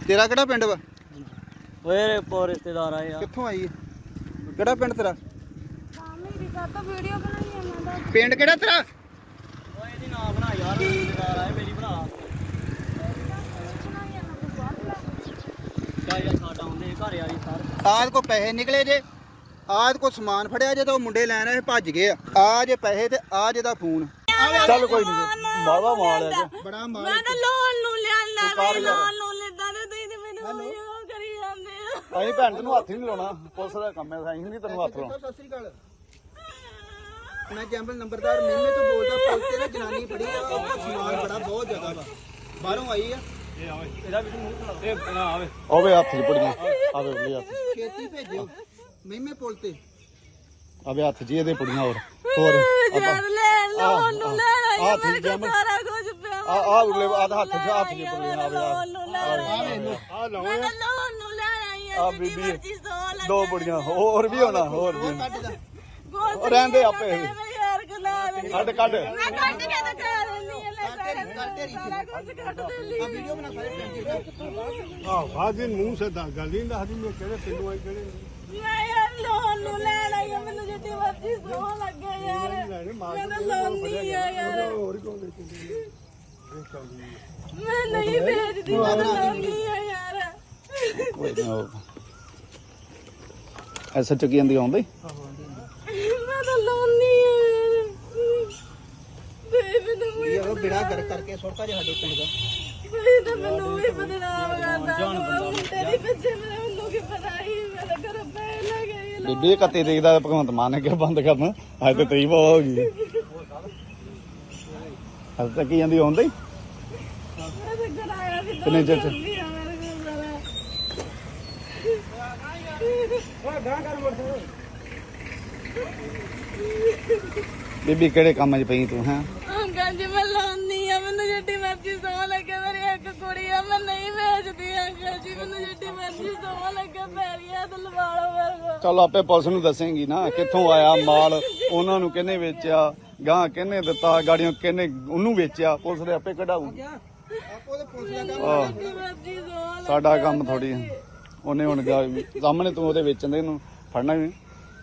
ਤੇਰਾ ਕਿਹੜਾ ਪਿੰਡ ਵਾ? ਓਏ ਪੋ ਰਿਸ਼ਤੇਦਾਰ ਆਏ ਆ। ਕਿੱਥੋਂ ਆਈ ਹੈ? ਕਿਹੜਾ ਪਿੰਡ ਤੇਰਾ? ਮੇਰੀ ਕਾਤਾ ਵੀਡੀਓ ਬਣਾਈ ਇਹਨਾਂ ਦਾ ਪਿੰਡ ਕਿਹੜਾ ਤੇਰਾ? ਓਏ ਇਹਦੀ ਨਾ ਬਣਾ ਯਾਰ, ਰਿਸ਼ਤੇਦਾਰ ਆਏ, ਮੇਰੀ ਬਣਾ। ਬਣਾਈ ਇਹਨਾਂ ਤੋਂ ਬਾਅਦ ਲੈ ਕਾ ਯਾਰ ਸਾਡਾ ਆਉਂਦੇ ਘਰ ਵਾਲੀ ਸਰ। ਆਦ ਕੋ ਪੈਸੇ ਨਿਕਲੇ ਜੇ, ਆਦ ਕੋ ਸਮਾਨ ਫੜਿਆ ਜੇ ਤਾਂ ਉਹ ਮੁੰਡੇ ਲੈਣ ਆਏ ਭੱਜ ਗਏ ਆ। ਆ ਜੇ ਪੈਸੇ ਤੇ ਆ ਜੇ ਦਾ ਫੋਨ। ਚੱਲ ਕੋਈ ਨਹੀਂ ਬਾਵਾ ਮਾਲ ਹੈ ਬੜਾ ਮਾਰ ਮੈਂ ਤਾਂ ਲੋਨ ਨੂੰ ਲਿਆਂਦਾ ਮੈਂ ਲੋਨ ਨੂੰ ਲੈਂਦਾ ਤੇ ਤੁਸੀਂ ਤੇ ਮੈਨੂੰ ਉਹ ਕਰੀ ਜਾਂਦੇ ਆ ਅਸੀਂ ਭੈਣ ਤੈਨੂੰ ਹੱਥ ਹੀ ਨਹੀਂ ਲਾਉਣਾ, ਪੁਲਿਸ ਦਾ ਕੰਮ ਹੈ, ਅਸੀਂ ਨਹੀਂ ਤੈਨੂੰ ਹੱਥ ਲਾਉਣਾ। ਸਤਿ ਸ੍ਰੀ ਅਕਾਲ। ਮੈਂ ਜੰਬਲ ਨੰਬਰਦਾਰ ਮੇਮੇ ਤੋਂ ਬੋਲਦਾ। ਪੁਲਿਸ ਤੇ ਨਾ ਜਨਾਨੀ ਫੜੀ ਆ, ਉਹ ਸਮਾਨ ਬੜਾ ਬਹੁਤ ਜ਼ਿਆਦਾ ਵਾ, ਬਾਹਰੋਂ ਆਈ ਆ। ਇਹ ਆਵੇ ਇਹਦਾ ਵੀ ਮੂੰਹ ਖਲਾ ਇਹ ਨਾ ਆਵੇ। ਆਵੇ ਹੱਥ 'ਚ ਪੁੜੀਆਂ, ਆਵੇ ਉਹਦੇ ਹੱਥ 'ਚ। ਛੇਤੀ ਭੇਜਿਓ ਮੇਮੇ ਪੁਲ ਤੇ। ਆਵੇ ਹੱਥ 'ਚ ਇਹਦੇ ਪੁੜੀਆਂ। ਹੋਰ ਹੋਰ ਜਦ ਲੈ ਲੋਨ ਨੂੰ ਲੈ ਆਈ ਆਹ ਮੇਰੇ ਠੀਕ ਕੋਲ ਹੈ ਮੈਂ- ਸਾਰਾ ਕੁਝ ਪਿਆ ਆ ਆ ਉਰਲੇ ਆਹ ਹੱਥ 'ਚ ਹੱਥ 'ਚ ਪੁੜੀਆਂ। ਆਵੇ ਲੋਨ ਨੂੰ ਲੈ ਆਈ ਆ ਲਓ ਮੈਂ ਤਾਂ ਲੋਨ ਨੂੰ ਲੈ ਆਈ ਆ ਆ ਬੀਬੀ ਮਰਜ਼ੀ ਸੌ ਲੱਗ ਦੋ ਪੁੜੀਆਂ ਹੋਰ ਵੀ ਹੋਣਾ, ਹੋਰ ਵੀ ਕੱਢ ਦਾ ਉਹ ਰਹਿੰਦੇ ਆਪੇ। ਯਾਰ ਗੁਲਾਬ ਕੱਢ ਕੱਢ ਮੈਂ ਕੱਢ ਕੇ ਤਾਂ ਖਾ ਲੈਂਦੀ ਆ ਲੈ ਸਾਰਾ ਕੱਢ ਢੇਰੀ ਸਾਰਾ ਕੁਝ ਕੱਢ ਦੇ ਆ ਵੀਡੀਓ ਬਣਾ ਸਾਰੇ ਪਿੰਡ ਦੀ। ਆ ਬਾਜੀ ਮੂੰਹ ਸੇ ਦਾ ਗੱਲ ਨਹੀਂ ਦੱਸਦੀ ਮੈਂ ਕਿਹੜੇ ਪਿੰਡੋਂ ਆਈ ਕਿਹੜੇ ਨਹੀਂ। ਮੈਂ ਯਾਰ ਲੋਨ ਨੂੰ ਲੈ ਲਈ ਆ, ਮੈਨੂੰ ਜਿੱਡੀ ਮਰਜ਼ੀ ਸੌ ਲੱਗੇ ਯਾਰ ਮੈਂ ਤਾਂ ਲੋਨ ਨਹੀਂ ਆ ਯਾਰ ਹੋਰ ਕੌਣ ਦੇ ਚੰਗੀ ਮੈਂ ਨਹੀਂ ਭੇਜਦੀ ਮੈਂ ਤਾਂ ਲੋਨ ਨਹੀਂ ਆ ਯਾਰ ਐਸਾ ਚੱਕੀ ਜਾਂਦੀ ਆਉਂਦੀ ਮੈਂ ਤਾਂ ਲੋਨ ਨਹੀਂ ਆ ਯਾਰ ਤੇ ਮੈਨੂੰ ਵੀ ਇਹ ਉਹ ਬਿੜਾ ਕਰ ਕਰਕੇ ਸੁੱਟਾ ਜੇ ਸਾਡੇ ਪਿੰਡ ਦਾ। ਮੈਂ ਤਾਂ ਮੈਨੂੰ ਵੀ ਬਦਨਾਮ ਕਰਦਾ ਮੁੰਡੇ ਦੀ ਪਿੱਛੇ ਮੈਨੂੰ ਕੀ ਪਤਾ ਹੀ ਮੇਰੇ ਘਰ ਪੈ ਲੱਗੇ ਬੀਬੀ ਕੱਤੇ ਦੇਖਦਾ ਭਗਵੰਤ ਮਾਨ ਨੇ ਕਿਹਾ ਬੰਦ ਕਰਨ, ਅੱਜ ਤੇ ਤਰੀ ਬਹੁਤ ਹੋ ਗਈ। ਅੱਜ ਤੱਕ ਜਾਂਦੀ ਆਉਂਦੀ ਮੈਂ ਤਾਂ ਕਰਾਇਆ ਸੀ ਕਿੰਨੇ ਚਿਰ ਚ? ਮੇਰੇ ਕੋਲ ਸਾਰਾ ਬੀਬੀ ਕਿਹੜੇ ਕੰਮ 'ਚ ਪਈ ਤੂੰ? ਹੈਂ ਅੰਕਲ ਜੀ ਮੈਂ ਲਾਉਂਦੀ ਆ, ਮੈਨੂੰ ਜਿੱਡੀ ਮਰਜ਼ੀ ਸੌ ਲੱਗੇ ਮੇਰੀ ਇੱਕ ਕੁੜੀ ਆ, ਮੈਂ ਨਹੀਂ ਵੇਚਦੀ ਅੰਕਲ ਜੀ, ਮੈਨੂੰ ਜਿੱਡੀ ਮਰਜ਼ੀ ਸੌ ਲੱਗੇ ਪੈਰੀਆਂ ਤੇ ਲਵਾ ਲਓ ਮੇਰੇ ਕੋਲ। ਚੱਲ ਆਪੇ ਪੁਲਿਸ ਨੂੰ ਦੱਸੇਂਗੀ ਨਾ ਕਿੱਥੋਂ ਆਇਆ ਮਾਲ, ਉਹਨਾਂ ਨੂੰ ਕਿਹਨੇ ਵੇਚਿਆ, ਗਾਂ ਕਿਹਨੇ ਦਿੱਤਾ, ਗਾੜੀਆਂ ਕਿਹਨੇ ਉਹਨੂੰ ਵੇਚਿਆ, ਪੁਲਿਸ ਦੇ ਆਪੇ ਕਢਾਊਗੀ। ਆਪੋ ਤੇ ਪੁਲਿਸ ਦਾ ਕੰਮ। ਆਹ ਜਿੱਡੀ ਮਰਜ਼ੀ ਸੌ ਲੱਗੇ ਸਾਡਾ ਕੰਮ ਥੋੜੀ, ਉਹਨੇ ਹੁਣ ਗਾ- ਸਾਹਮਣੇ ਤੂੰ ਉਹਦੇ ਵੇਚਣ ਦੇ ਨੂੰ ਫੜਨਾ ਵੀ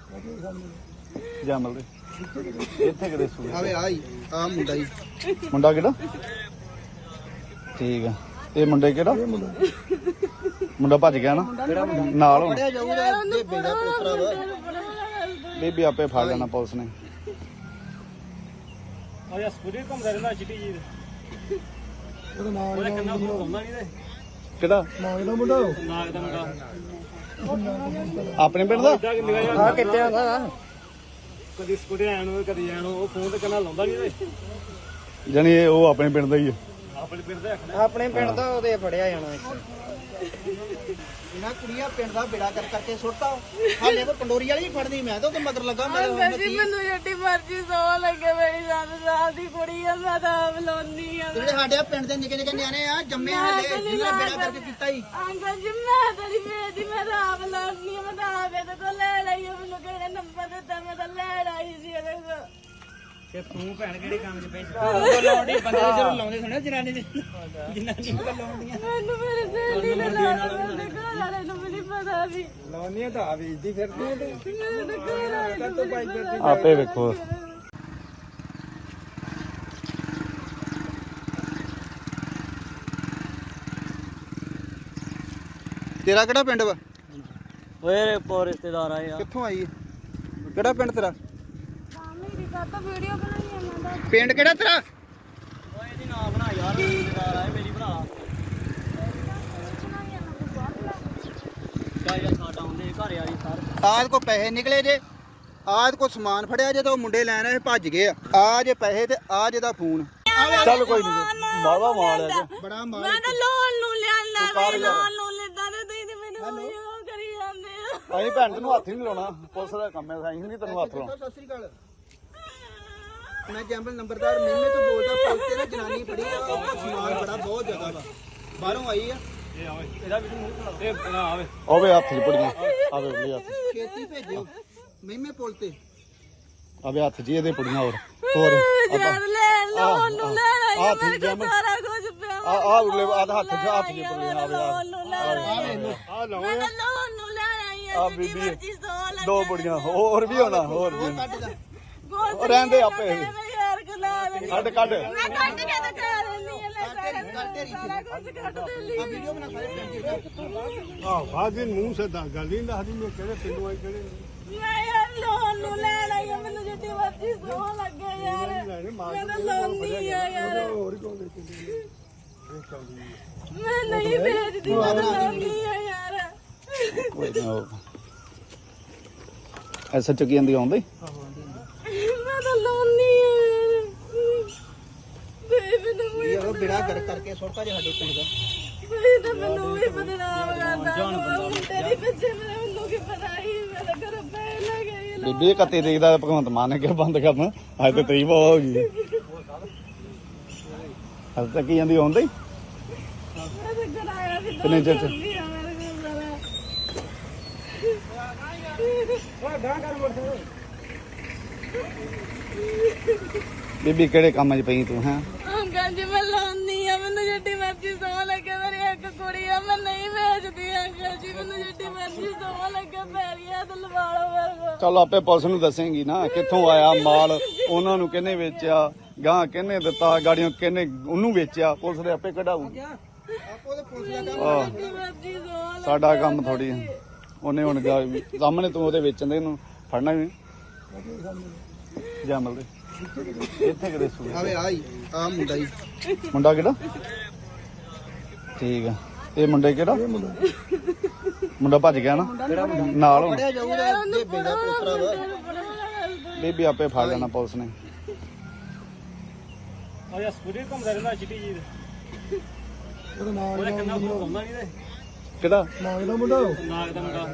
ਜਮਲ ਦੇ ਇੱਥੇ ਕਿਤੇ ਸੂ ਆਵੇ ਆਈ ਆ ਮੁੰਡਾ ਹੀ ਮੁੰਡਾ ਕਿਹੜਾ? ਠੀਕ ਆ। ਇਹ ਮੁੰਡੇ ਕਿਹੜਾ ਮੁੰਡਾ ਭੱਜ ਗਿਆ ਨਾ ਨਾਲ ਹੁਣ? ਫੜਿਆ ਜਾਊਗਾ ਜੇ ਬੇੜਾ ਪੋਤਰਾ ਵਾ। ਬੀਬੀ ਆਪੇ ਫੜ ਲੈਣਾ ਪੁਲਿਸ ਨੇ। ਆ ਯਾ ਸਕੂਟਰ ਘੁੰਮਦਾ ਰਹਿੰਦਾ ਚਿੱਟੀ ਜੀ ਦੇ। ਉਹਦਾ ਨਾਮ ਉਹਦਾ ਕੰਨਾ ਘੁੰਮਦਾ ਨਹੀਂ ਤੇ ਕਿਹੜਾ ਨਾਗ ਦਾ ਮੁੰਡਾ ਨਾਗ ਦਾ ਮੁੰਡਾ ਆਪਣੇ ਪਿੰਡ ਦਾ? ਆ ਕਿੱਥੇ ਆਂਦਾ ਕਦੀ ਸਕੂਟਰ ਆਣ ਨੂੰ ਕਦੀ ਆਣ ਨੂੰ ਉਹ ਫੋਨ ਤੇ ਕੰਨਾ ਲਾਉਂਦਾ ਨਹੀਂ ਤੇ ਜਾਣੀ ਇਹ ਉਹ ਆਪਣੇ ਪਿੰਡ ਦਾ ਹੀ ਆ। ਆਪਣੇ ਪਿੰਡ ਦਾ ਆਪਣੇ ਪਿੰਡ ਦਾ ਉਹਦੇ ਫੜਿਆ ਜਾਣਾ ਇੱਕ। ਇਹਨਾਂ ਕੁੜੀਆਂ ਪਿੰਡ ਦਾ ਬੇੜਾ ਕਰ ਕਰਕੇ ਸੁੱਟਾ। ਹਾਲੇ ਕੋ ਪੰਡੋਰੀ ਵਾਲੀ ਵੀ ਫੜਨੀ, ਮੈਂ ਤਾਂ ਉਹਦੇ ਮਗਰ ਲੱਗਾ। ਮੈਂ ਅੰਕਲ ਜੀ ਮੈਨੂੰ ਜਿੱਡੀ ਮਰਜ਼ੀ ਸੌ ਲੱਗੇ ਮੇਰੀ ਸੱਤ ਸਾਲ ਦੀ ਕੁੜੀ ਆ, ਮੈਂ ਤਾਂ ਆਪ ਲਾਉਂਦੀ ਆ। ਜਿਹੜੇ ਸਾਡੇ ਪਿੰਡ ਦੇ ਨਿੱਕੇ ਨਿੱਕੇ ਨਿਆਣੇ ਆ ਜੰਮੇ ਹਾਲੇ ਜਿਹਨਾਂ ਬੇੜਾ ਕਰਕੇ ਕੀਤਾ ਹੀ। ਅੰਕਲ ਜੀ ਮੈਂ ਤਾਂ ਨਹੀਂ ਵੇਚਦੀ, ਮੈਂ ਤਾਂ ਆਪ ਲਾਉਂਦੀ ਆ, ਮੈਂ ਤਾਂ ਆਪ ਇਹਦੇ ਕੋਲ ਲੈ ਲਈ ਆ, ਮੈਨੂੰ ਕਿਹੜੇ ਨੰਬਰ ਦਿੱਤਾ ਮੈਂ ਤਾਂ ਲੈ ਲਈ ਸੀ ਇਹਦੇ ਕੋਲ। ਤੇ ਤੂੰ ਭੈਣ ਕਿਹੜੇ ਕੰਮ 'ਚ ਪਈ? ਉਹ ਲਾਉਂਦੀ ਬੰਦੇ ਜਦੋਂ ਲਾਉਂਦੇ ਸੁਣਿਆ ਜਨਾਨੀ ਦੇ ਜਨਾਨੀ ਨੂੰ ਲਾਉਂਦੀਆਂ ਮੈਨੂੰ ਮੇਰੇ ਸਹੇਲੀ ਨੇ ਲਾਇਆ, ਮੇਰੇ ਘਰ ਵਾਲੇ ਨੂੰ ਵੀ ਨਹੀਂ ਪਤਾ ਵੀ ਲਾਉਂਦੀਆਂ ਤਾਂ ਆ ਵੇਚਦੀ ਫਿਰਦੀ ਤੇ ਮੇਰੇ ਘਰ ਵਾਲੇ ਨੂੰ ਵੀ ਨਹੀਂ ਪਤਾ। ਆਪੇ ਵੇਖੋ। ਤੇਰਾ ਕਿਹੜਾ ਪਿੰਡ ਵਾ? ਓਏ ਪੋ ਰਿਸ਼ਤੇਦਾਰ ਆਏ ਆ। ਕਿੱਥੋਂ ਆਈ ਹੈ? ਕਿਹੜਾ ਪਿੰਡ ਤੇਰਾ? ਮੇਰੀ ਕਾਤਾ ਵੀਡੀਓ ਬਣਾਈ ਇਹਨਾਂ ਦਾ ਪਿੰਡ ਕਿਹੜਾ ਤੇਰਾ? ਓਏ ਇਹਦੀ ਨਾ ਬਣਾ ਯਾਰ, ਰਿਸ਼ਤੇਦਾਰ ਆਏ, ਮੇਰੀ ਬਣਾ। ਬਣਾਈ ਇਹਨਾਂ ਤੋਂ ਬਾਅਦ ਲੈ ਕਾ ਯਾਰ ਸਾਡਾ ਆਉਂਦੇ ਘਰ ਵਾਲੀ ਸਰ। ਆਦ ਕੋ ਪੈਸੇ ਨਿਕਲੇ ਜੇ, ਆਦ ਕੋ ਸਮਾਨ ਫੜਿਆ ਜੇ ਤਾਂ ਉਹ ਮੁੰਡੇ ਲੈਣ ਆਏ ਭੱਜ ਗਏ ਆ। ਆ ਜੇ ਪੈਸੇ ਤੇ ਆ ਜੇ ਦਾ ਫੋਨ। ਚੱਲ ਕੋਈ ਨਹੀਂ ਬਾਵਾ ਮਾਲ ਹੈ ਬੜਾ ਮਾਰ ਮੈਂ ਤਾਂ ਲੋਨ ਨੂੰ ਲਿਆਂਦਾ ਮੈਂ ਲੋਨ ਨੂੰ ਲੈਂਦਾ ਤੇ ਤੁਸੀਂ ਤੇ ਮੈਨੂੰ ਉਹ ਕਰੀ ਜਾਂਦੇ ਆ। ਅਸੀਂ ਭੈਣ ਤੈਨੂੰ ਹੱਥ ਹੀ ਨਹੀਂ ਲਾਉਣਾ, ਪੁਲਿਸ ਦਾ ਕੰਮ ਹੈ, ਅਸੀਂ ਨਹੀਂ ਤੈਨੂੰ ਹੱਥ ਲਾਉਣਾ। ਸਤਿ ਸ੍ਰੀ ਅਕਾਲ। ਮੈਂ ਜੰਬਲ ਨੰਬਰਦਾਰ ਮੇਮੇ ਤੋਂ ਬੋਲਦਾ। ਪੁਲਿਸ ਤੇ ਨਾ ਜਨਾਨੀ ਫੜੀ ਆ, ਉਹ ਸਮਾਨ ਬੜਾ ਬਹੁਤ ਜ਼ਿਆਦਾ ਵਾ, ਬਾਹਰੋਂ ਆਈ ਆ। ਇਹ ਆਵੇ ਇਹਦਾ ਵੀ ਮੂੰਹ ਖਲਾ ਇਹ ਨਾ ਆਵੇ। ਆਵੇ ਹੱਥ 'ਚ ਪੁੜੀਆਂ, ਆਵੇ ਉਹਦੇ ਹੱਥ 'ਚ। ਛੇਤੀ ਭੇਜਿਓ ਮੇਮੇ ਪੁਲ ਤੇ। ਆਵੇ ਹੱਥ 'ਚ ਇਹਦੇ ਪੁੜੀਆਂ। ਹੋਰ ਹੋਰ ਜਦ ਲੈ ਲੋਨ ਨੂੰ ਲੈ ਆਈ ਆਹ ਮੇਰੇ ਠੀਕ ਕੋਲ ਜਮਲ ਸਾਰਾ ਕੁਝ ਪਿਆ ਆ ਆ ਉਰਲੇ ਆਹ ਹੱਥ 'ਚ ਹੱਥ 'ਚ ਪੁੜੀਆਂ। ਆਵੇ ਲੋਨ ਨੂੰ ਲੈ ਆ ਲਓ ਮੈਂ ਤਾਂ ਲੋਨ ਨੂੰ ਲੈ ਆਈ ਆ ਆ ਬੀਬੀ ਮਰਜ਼ੀ ਸੌ ਲੱਗੇ ਦੋ ਬੁੜੀਆਂ ਹੋਰ ਵੀ ਹੋਣਾ ਹੋਰ ਵੀ ਕੱਟ ਦਾ ਉਹ ਰਹਿੰਦੇ ਆਪੇ। ਯਾਰ ਗੁਲਾ ਦੇ ਕੱਢ ਕੱਢ ਮੈਂ ਕੱਢ ਕੇ ਤਾਂ ਕਰ ਲੈਂਦੀ ਆ ਲੈ ਸਾਰਾ ਕੱਟੇ ਰੀ ਸਾਰਾ ਕੁਝ ਕੱਢ ਦੇ ਆ ਵੀਡੀਓ ਬਣਾ ਸਾਰੇ ਪਿੰਡ ਆ ਬਾਜੀ ਮੂੰਹ ਸੇ ਦਾ ਗੱਲ ਨਹੀਂ ਦੱਸਦੀ ਮੈਂ ਕਿਹੜੇ ਪਿੰਡੋਂ ਆਈ ਕਿਹੜੇ ਮੈਂ ਯਾਰ ਲੋਨ ਨੂੰ ਲੈ ਲਈ ਆ, ਮੈਨੂੰ ਜਿੱਡੀ ਮਰਜ਼ੀ ਸੌ ਲੱਗੇ ਯਾਰ ਮੈਂ ਤਾਂ ਲੋਨ ਨਹੀਂ ਆ ਯਾਰ ਹੋਰ ਕੌਣ ਦੇ ਕਿੰਨੇ ਮੈਂ ਨਹੀਂ ਵੇਚਦੀ ਮੈਂ ਤਾਂ ਲੋਨ ਨਹੀਂ ਆ ਯਾਰ ਕੋਈ ਨਾ ਉਹ ਐਸਾ ਚੱਕੀ ਜਾਂਦੀ ਆਉਂਦੀ ਮੈਂ ਤਾਂ ਲੋਨ ਨਹੀਂ ਆ ਯਾਰ ਬੇ ਮੈਨੂੰ ਵੀ ਇਹ ਉਹ ਬਿੜਾ ਕਰ ਕਰਕੇ ਸੁੱਟਾ ਜੇ ਸਾਡੇ ਪਿੰਡ ਦਾ ਬੇ ਤਾਂ ਮੈਨੂੰ ਵੀ ਬਦਨਾਮ ਕਰਦਾ ਤੇਰੀ ਪਿੱਛੇ ਮੇਰੇ ਮੈਨੂੰ ਕੀ ਪਤਾ ਹੀ ਮੈਂ ਤਾਂ ਘਰ ਪੈ ਲੱਗੇ ਬੀਬੀ ਕੱਤੇ ਦੇਖਦਾ ਭਗਵੰਤ ਮਾਨ ਨੇ ਕਿਹਾ ਬੰਦ ਕਰਨ ਅੱਜ ਤੇ ਤਰੀਬ ਹੋ ਗਈ ਅੱਜ ਤੱਕ ਜਾਂਦੀ ਆਉਂਦੀ ਮੈਂ ਤਾਂ ਘਰ ਆਇਆ ਸੀ ਕਿੰਨੇ ਚਿਰ ਚ? ਮੇਰੇ ਕੋਲ ਸਾਰਾ ਬੀਬੀ ਕਿਹੜੇ ਕੰਮ 'ਚ ਪਈ ਤੂੰ ਹੈਂ ਅੰਕਲ ਜੀ ਮੈਂ ਲਾਉਂਦੀ ਆ ਮੈਨੂੰ ਜਿੱਡੀ ਮਰਜ਼ੀ ਸੌ ਲੱਗੇ ਮੇਰੀ ਇੱਕ ਕੁੜੀ ਆ ਮੈਂ ਨਹੀਂ ਵੇਚਦੀ ਅੰਕਲ ਜੀ ਮੈਨੂੰ ਜਿੱਡੀ ਮਰਜ਼ੀ ਸੌ ਲੱਗੇ ਪੈਰੀਆਂ ਤੇ ਲਵਾ ਲਓ ਮੇਰੇ ਕੋਲ ਚੱਲ ਆਪੇ ਪੁਲਿਸ ਨੂੰ ਦੱਸੇਂਗੀ ਨਾ ਕਿੱਥੋਂ ਆਇਆ ਮਾਲ ਉਹਨਾਂ ਨੂੰ ਕਿਹਨੇ ਵੇਚਿਆ ਗਾਂ ਕਿਹਨੇ ਦਿੱਤਾ ਗਾੜੀਆਂ ਕਿਹਨੇ ਉਹਨੂੰ ਵੇਚਿਆ ਪੁਲਿਸ ਦੇ ਆਪੇ ਕਢਾਊਗੀ ਆਪੋ ਦੇ ਪੁਲਿਸ ਦਾ ਕੰਮ ਆਹ, ਜਿੱਡੀ ਮਰਜ਼ੀ ਸੌ ਲੱਗੇ ਸਾਡਾ ਕੰਮ ਥੋੜੀ ਉਹਨੇ ਹੁਣ ਗਾ- ਸਾਹਮਣੇ ਤੂੰ ਉਹਦੇ ਵੇਚਣ ਦੇ ਇਹਨੂੰ ਫੜਨਾ ਵੀ ਜਮਲ ਦੇ ਇੱਥੇ ਕਿਤੇ ਸੂ ਆਵੇ ਆਈ ਆ ਮੁੰਡਾ ਹੀ ਮੁੰਡਾ ਕਿਹੜਾ ਠੀਕ ਆ ਇਹ ਮੁੰਡੇ ਕਿਹੜਾ ਮੁੰਡਾ ਭੱਜ ਗਿਆ ਨਾ ਨਾਲ ਹੁਣ ਫੜਿਆ ਜਾਊਗਾ ਬੇਬੇ ਦਾ ਪੋਤਰਾ ਵਾ ਬੀਬੀ ਆਪੇ ਫੜ ਲੈਣਾ ਪੁਲਿਸ ਨੇ ਆ ਯਾ ਸਕੂਟਰ ਘੁੰਮਦਾ ਰਹਿੰਦਾ ਚਿੱਟੀ ਜੀ ਦੇ ਉਹਦਾ ਕਿੰਨਾ ਫੋਨ ਆਉਂਦਾ ਨਹੀਂ ਤੇ ਕਿਹੜਾ ਨਾਗ ਦਾ ਮੁੰਡਾ ਨਾਗ ਦਾ ਮੁੰਡਾ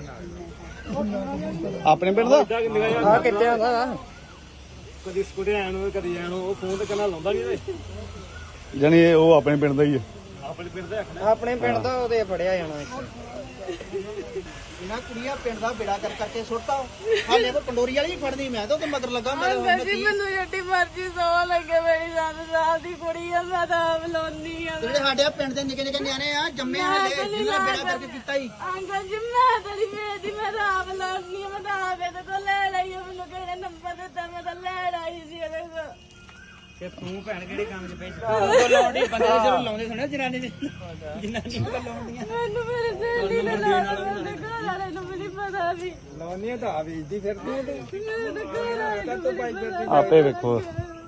ਆਪਣੇ ਪਿੰਡ ਦਾ ਆ ਕਿੱਥੇ ਆਂਦਾ ਕਦੀ ਸਕੂਟਰ ਆਣ ਨੂੰ ਕਦੀ ਆਣ ਨੂੰ ਉਹ ਫੋਨ ਤੇ ਕੰਨਾਂ ਲਾਉਂਦਾ ਨਹੀਂ ਤੇ ਜਾਣੀ ਇਹ ਉਹ ਆਪਣੇ ਪਿੰਡ ਦਾ ਹੀ ਆ ਆਪਣੇ ਪਿੰਡ ਦਾ ਆਪਣੇ ਪਿੰਡ ਦਾ ਉਹਦੇ ਫੜਿਆ ਜਾਣਾ ਇਹਨਾਂ ਕੁੜੀਆਂ ਪਿੰਡ ਦਾ ਬਿੜਾ ਕਰ ਕਰਕੇ ਸੁੱਟਤਾ ਹਾਲੇ ਤਾਂ ਪੰਡੋਰੀ ਵਾਲੀ ਵੀ ਫੜਨੀ ਮੈਂ ਤਾਂ ਉਹਦੇ ਮਗਰ ਲੱਗਾ ਮੈਂ ਅੰਕਲ ਜੀ ਮੈਨੂੰ ਜਿੱਡੀ ਮਰਜ਼ੀ ਸੌ ਲੱਗੇ ਮੇਰੀ ਸੱਤ ਸਾਲ ਦੀ ਕੁੜੀ ਆ ਮੈਂ ਤਾਂ ਆਪ ਲਾਉਂਦੀ ਆ ਜਿਹੜੇ ਸਾਡੇ ਪਿੰਡ ਦੇ ਨਿੱਕੇ ਨਿੱਕੇ ਨਿਆਣੇ ਆ ਜੰਮੇ ਹਾਲੇ ਜਿਹਨਾਂ ਬਿੜਾ ਕਰਕੇ ਕੀਤਾ ਹੀ ਅੰਕਲ ਜੀ ਮੈਂ ਤਾਂ ਨਹੀਂ ਵੇਚਦੀ ਮੈਂ ਤਾਂ ਆਪ ਲਾਉਂਦੀ ਆ ਮੈਂ ਤਾਂ ਆਪ ਇਹਦੇ ਕੋਲ ਲੈ ਲਈ ਆ ਮੈਨੂੰ ਕਿਹਨੇ ਨੰਬਰ ਦਿੱਤਾ ਮੈਂ ਤਾਂ ਲੈ ਲਈ ਸੀ ਇਹਦੇ ਕੋਲ ਤੇ ਤੂੰ ਭੈਣ ਕਿਹੜੇ ਕੰਮ 'ਚ ਪਈ ਉਹ ਲਾਉਂਦੀ ਬੰਦੇ ਜਦੋਂ ਲਾਉਂਦੇ ਸੁਣਿਆ ਜਨਾਨੀ ਦੇ ਜਨਾਨੀ ਨੂੰ ਲਾਉਂਦੀਆਂ ਮੈਨੂੰ ਮੇਰੇ ਸਹੇਲੀ ਨੇ ਲਾਇਆ ਮੇਰੇ ਘਰ ਵਾਲੇ ਨੂੰ ਵੀ ਨਹੀਂ ਪਤਾ ਵੀ ਲਾਉਂਦੀਆਂ ਤਾਂ ਆ ਵੇਚਦੀ ਫਿਰਦੀ ਤੇ ਮੇਰੇ ਘਰ ਵਾਲੇ ਨੂੰ ਵੀ ਨਹੀਂ ਪਤਾ ਆਪੇ ਵੇਖੋ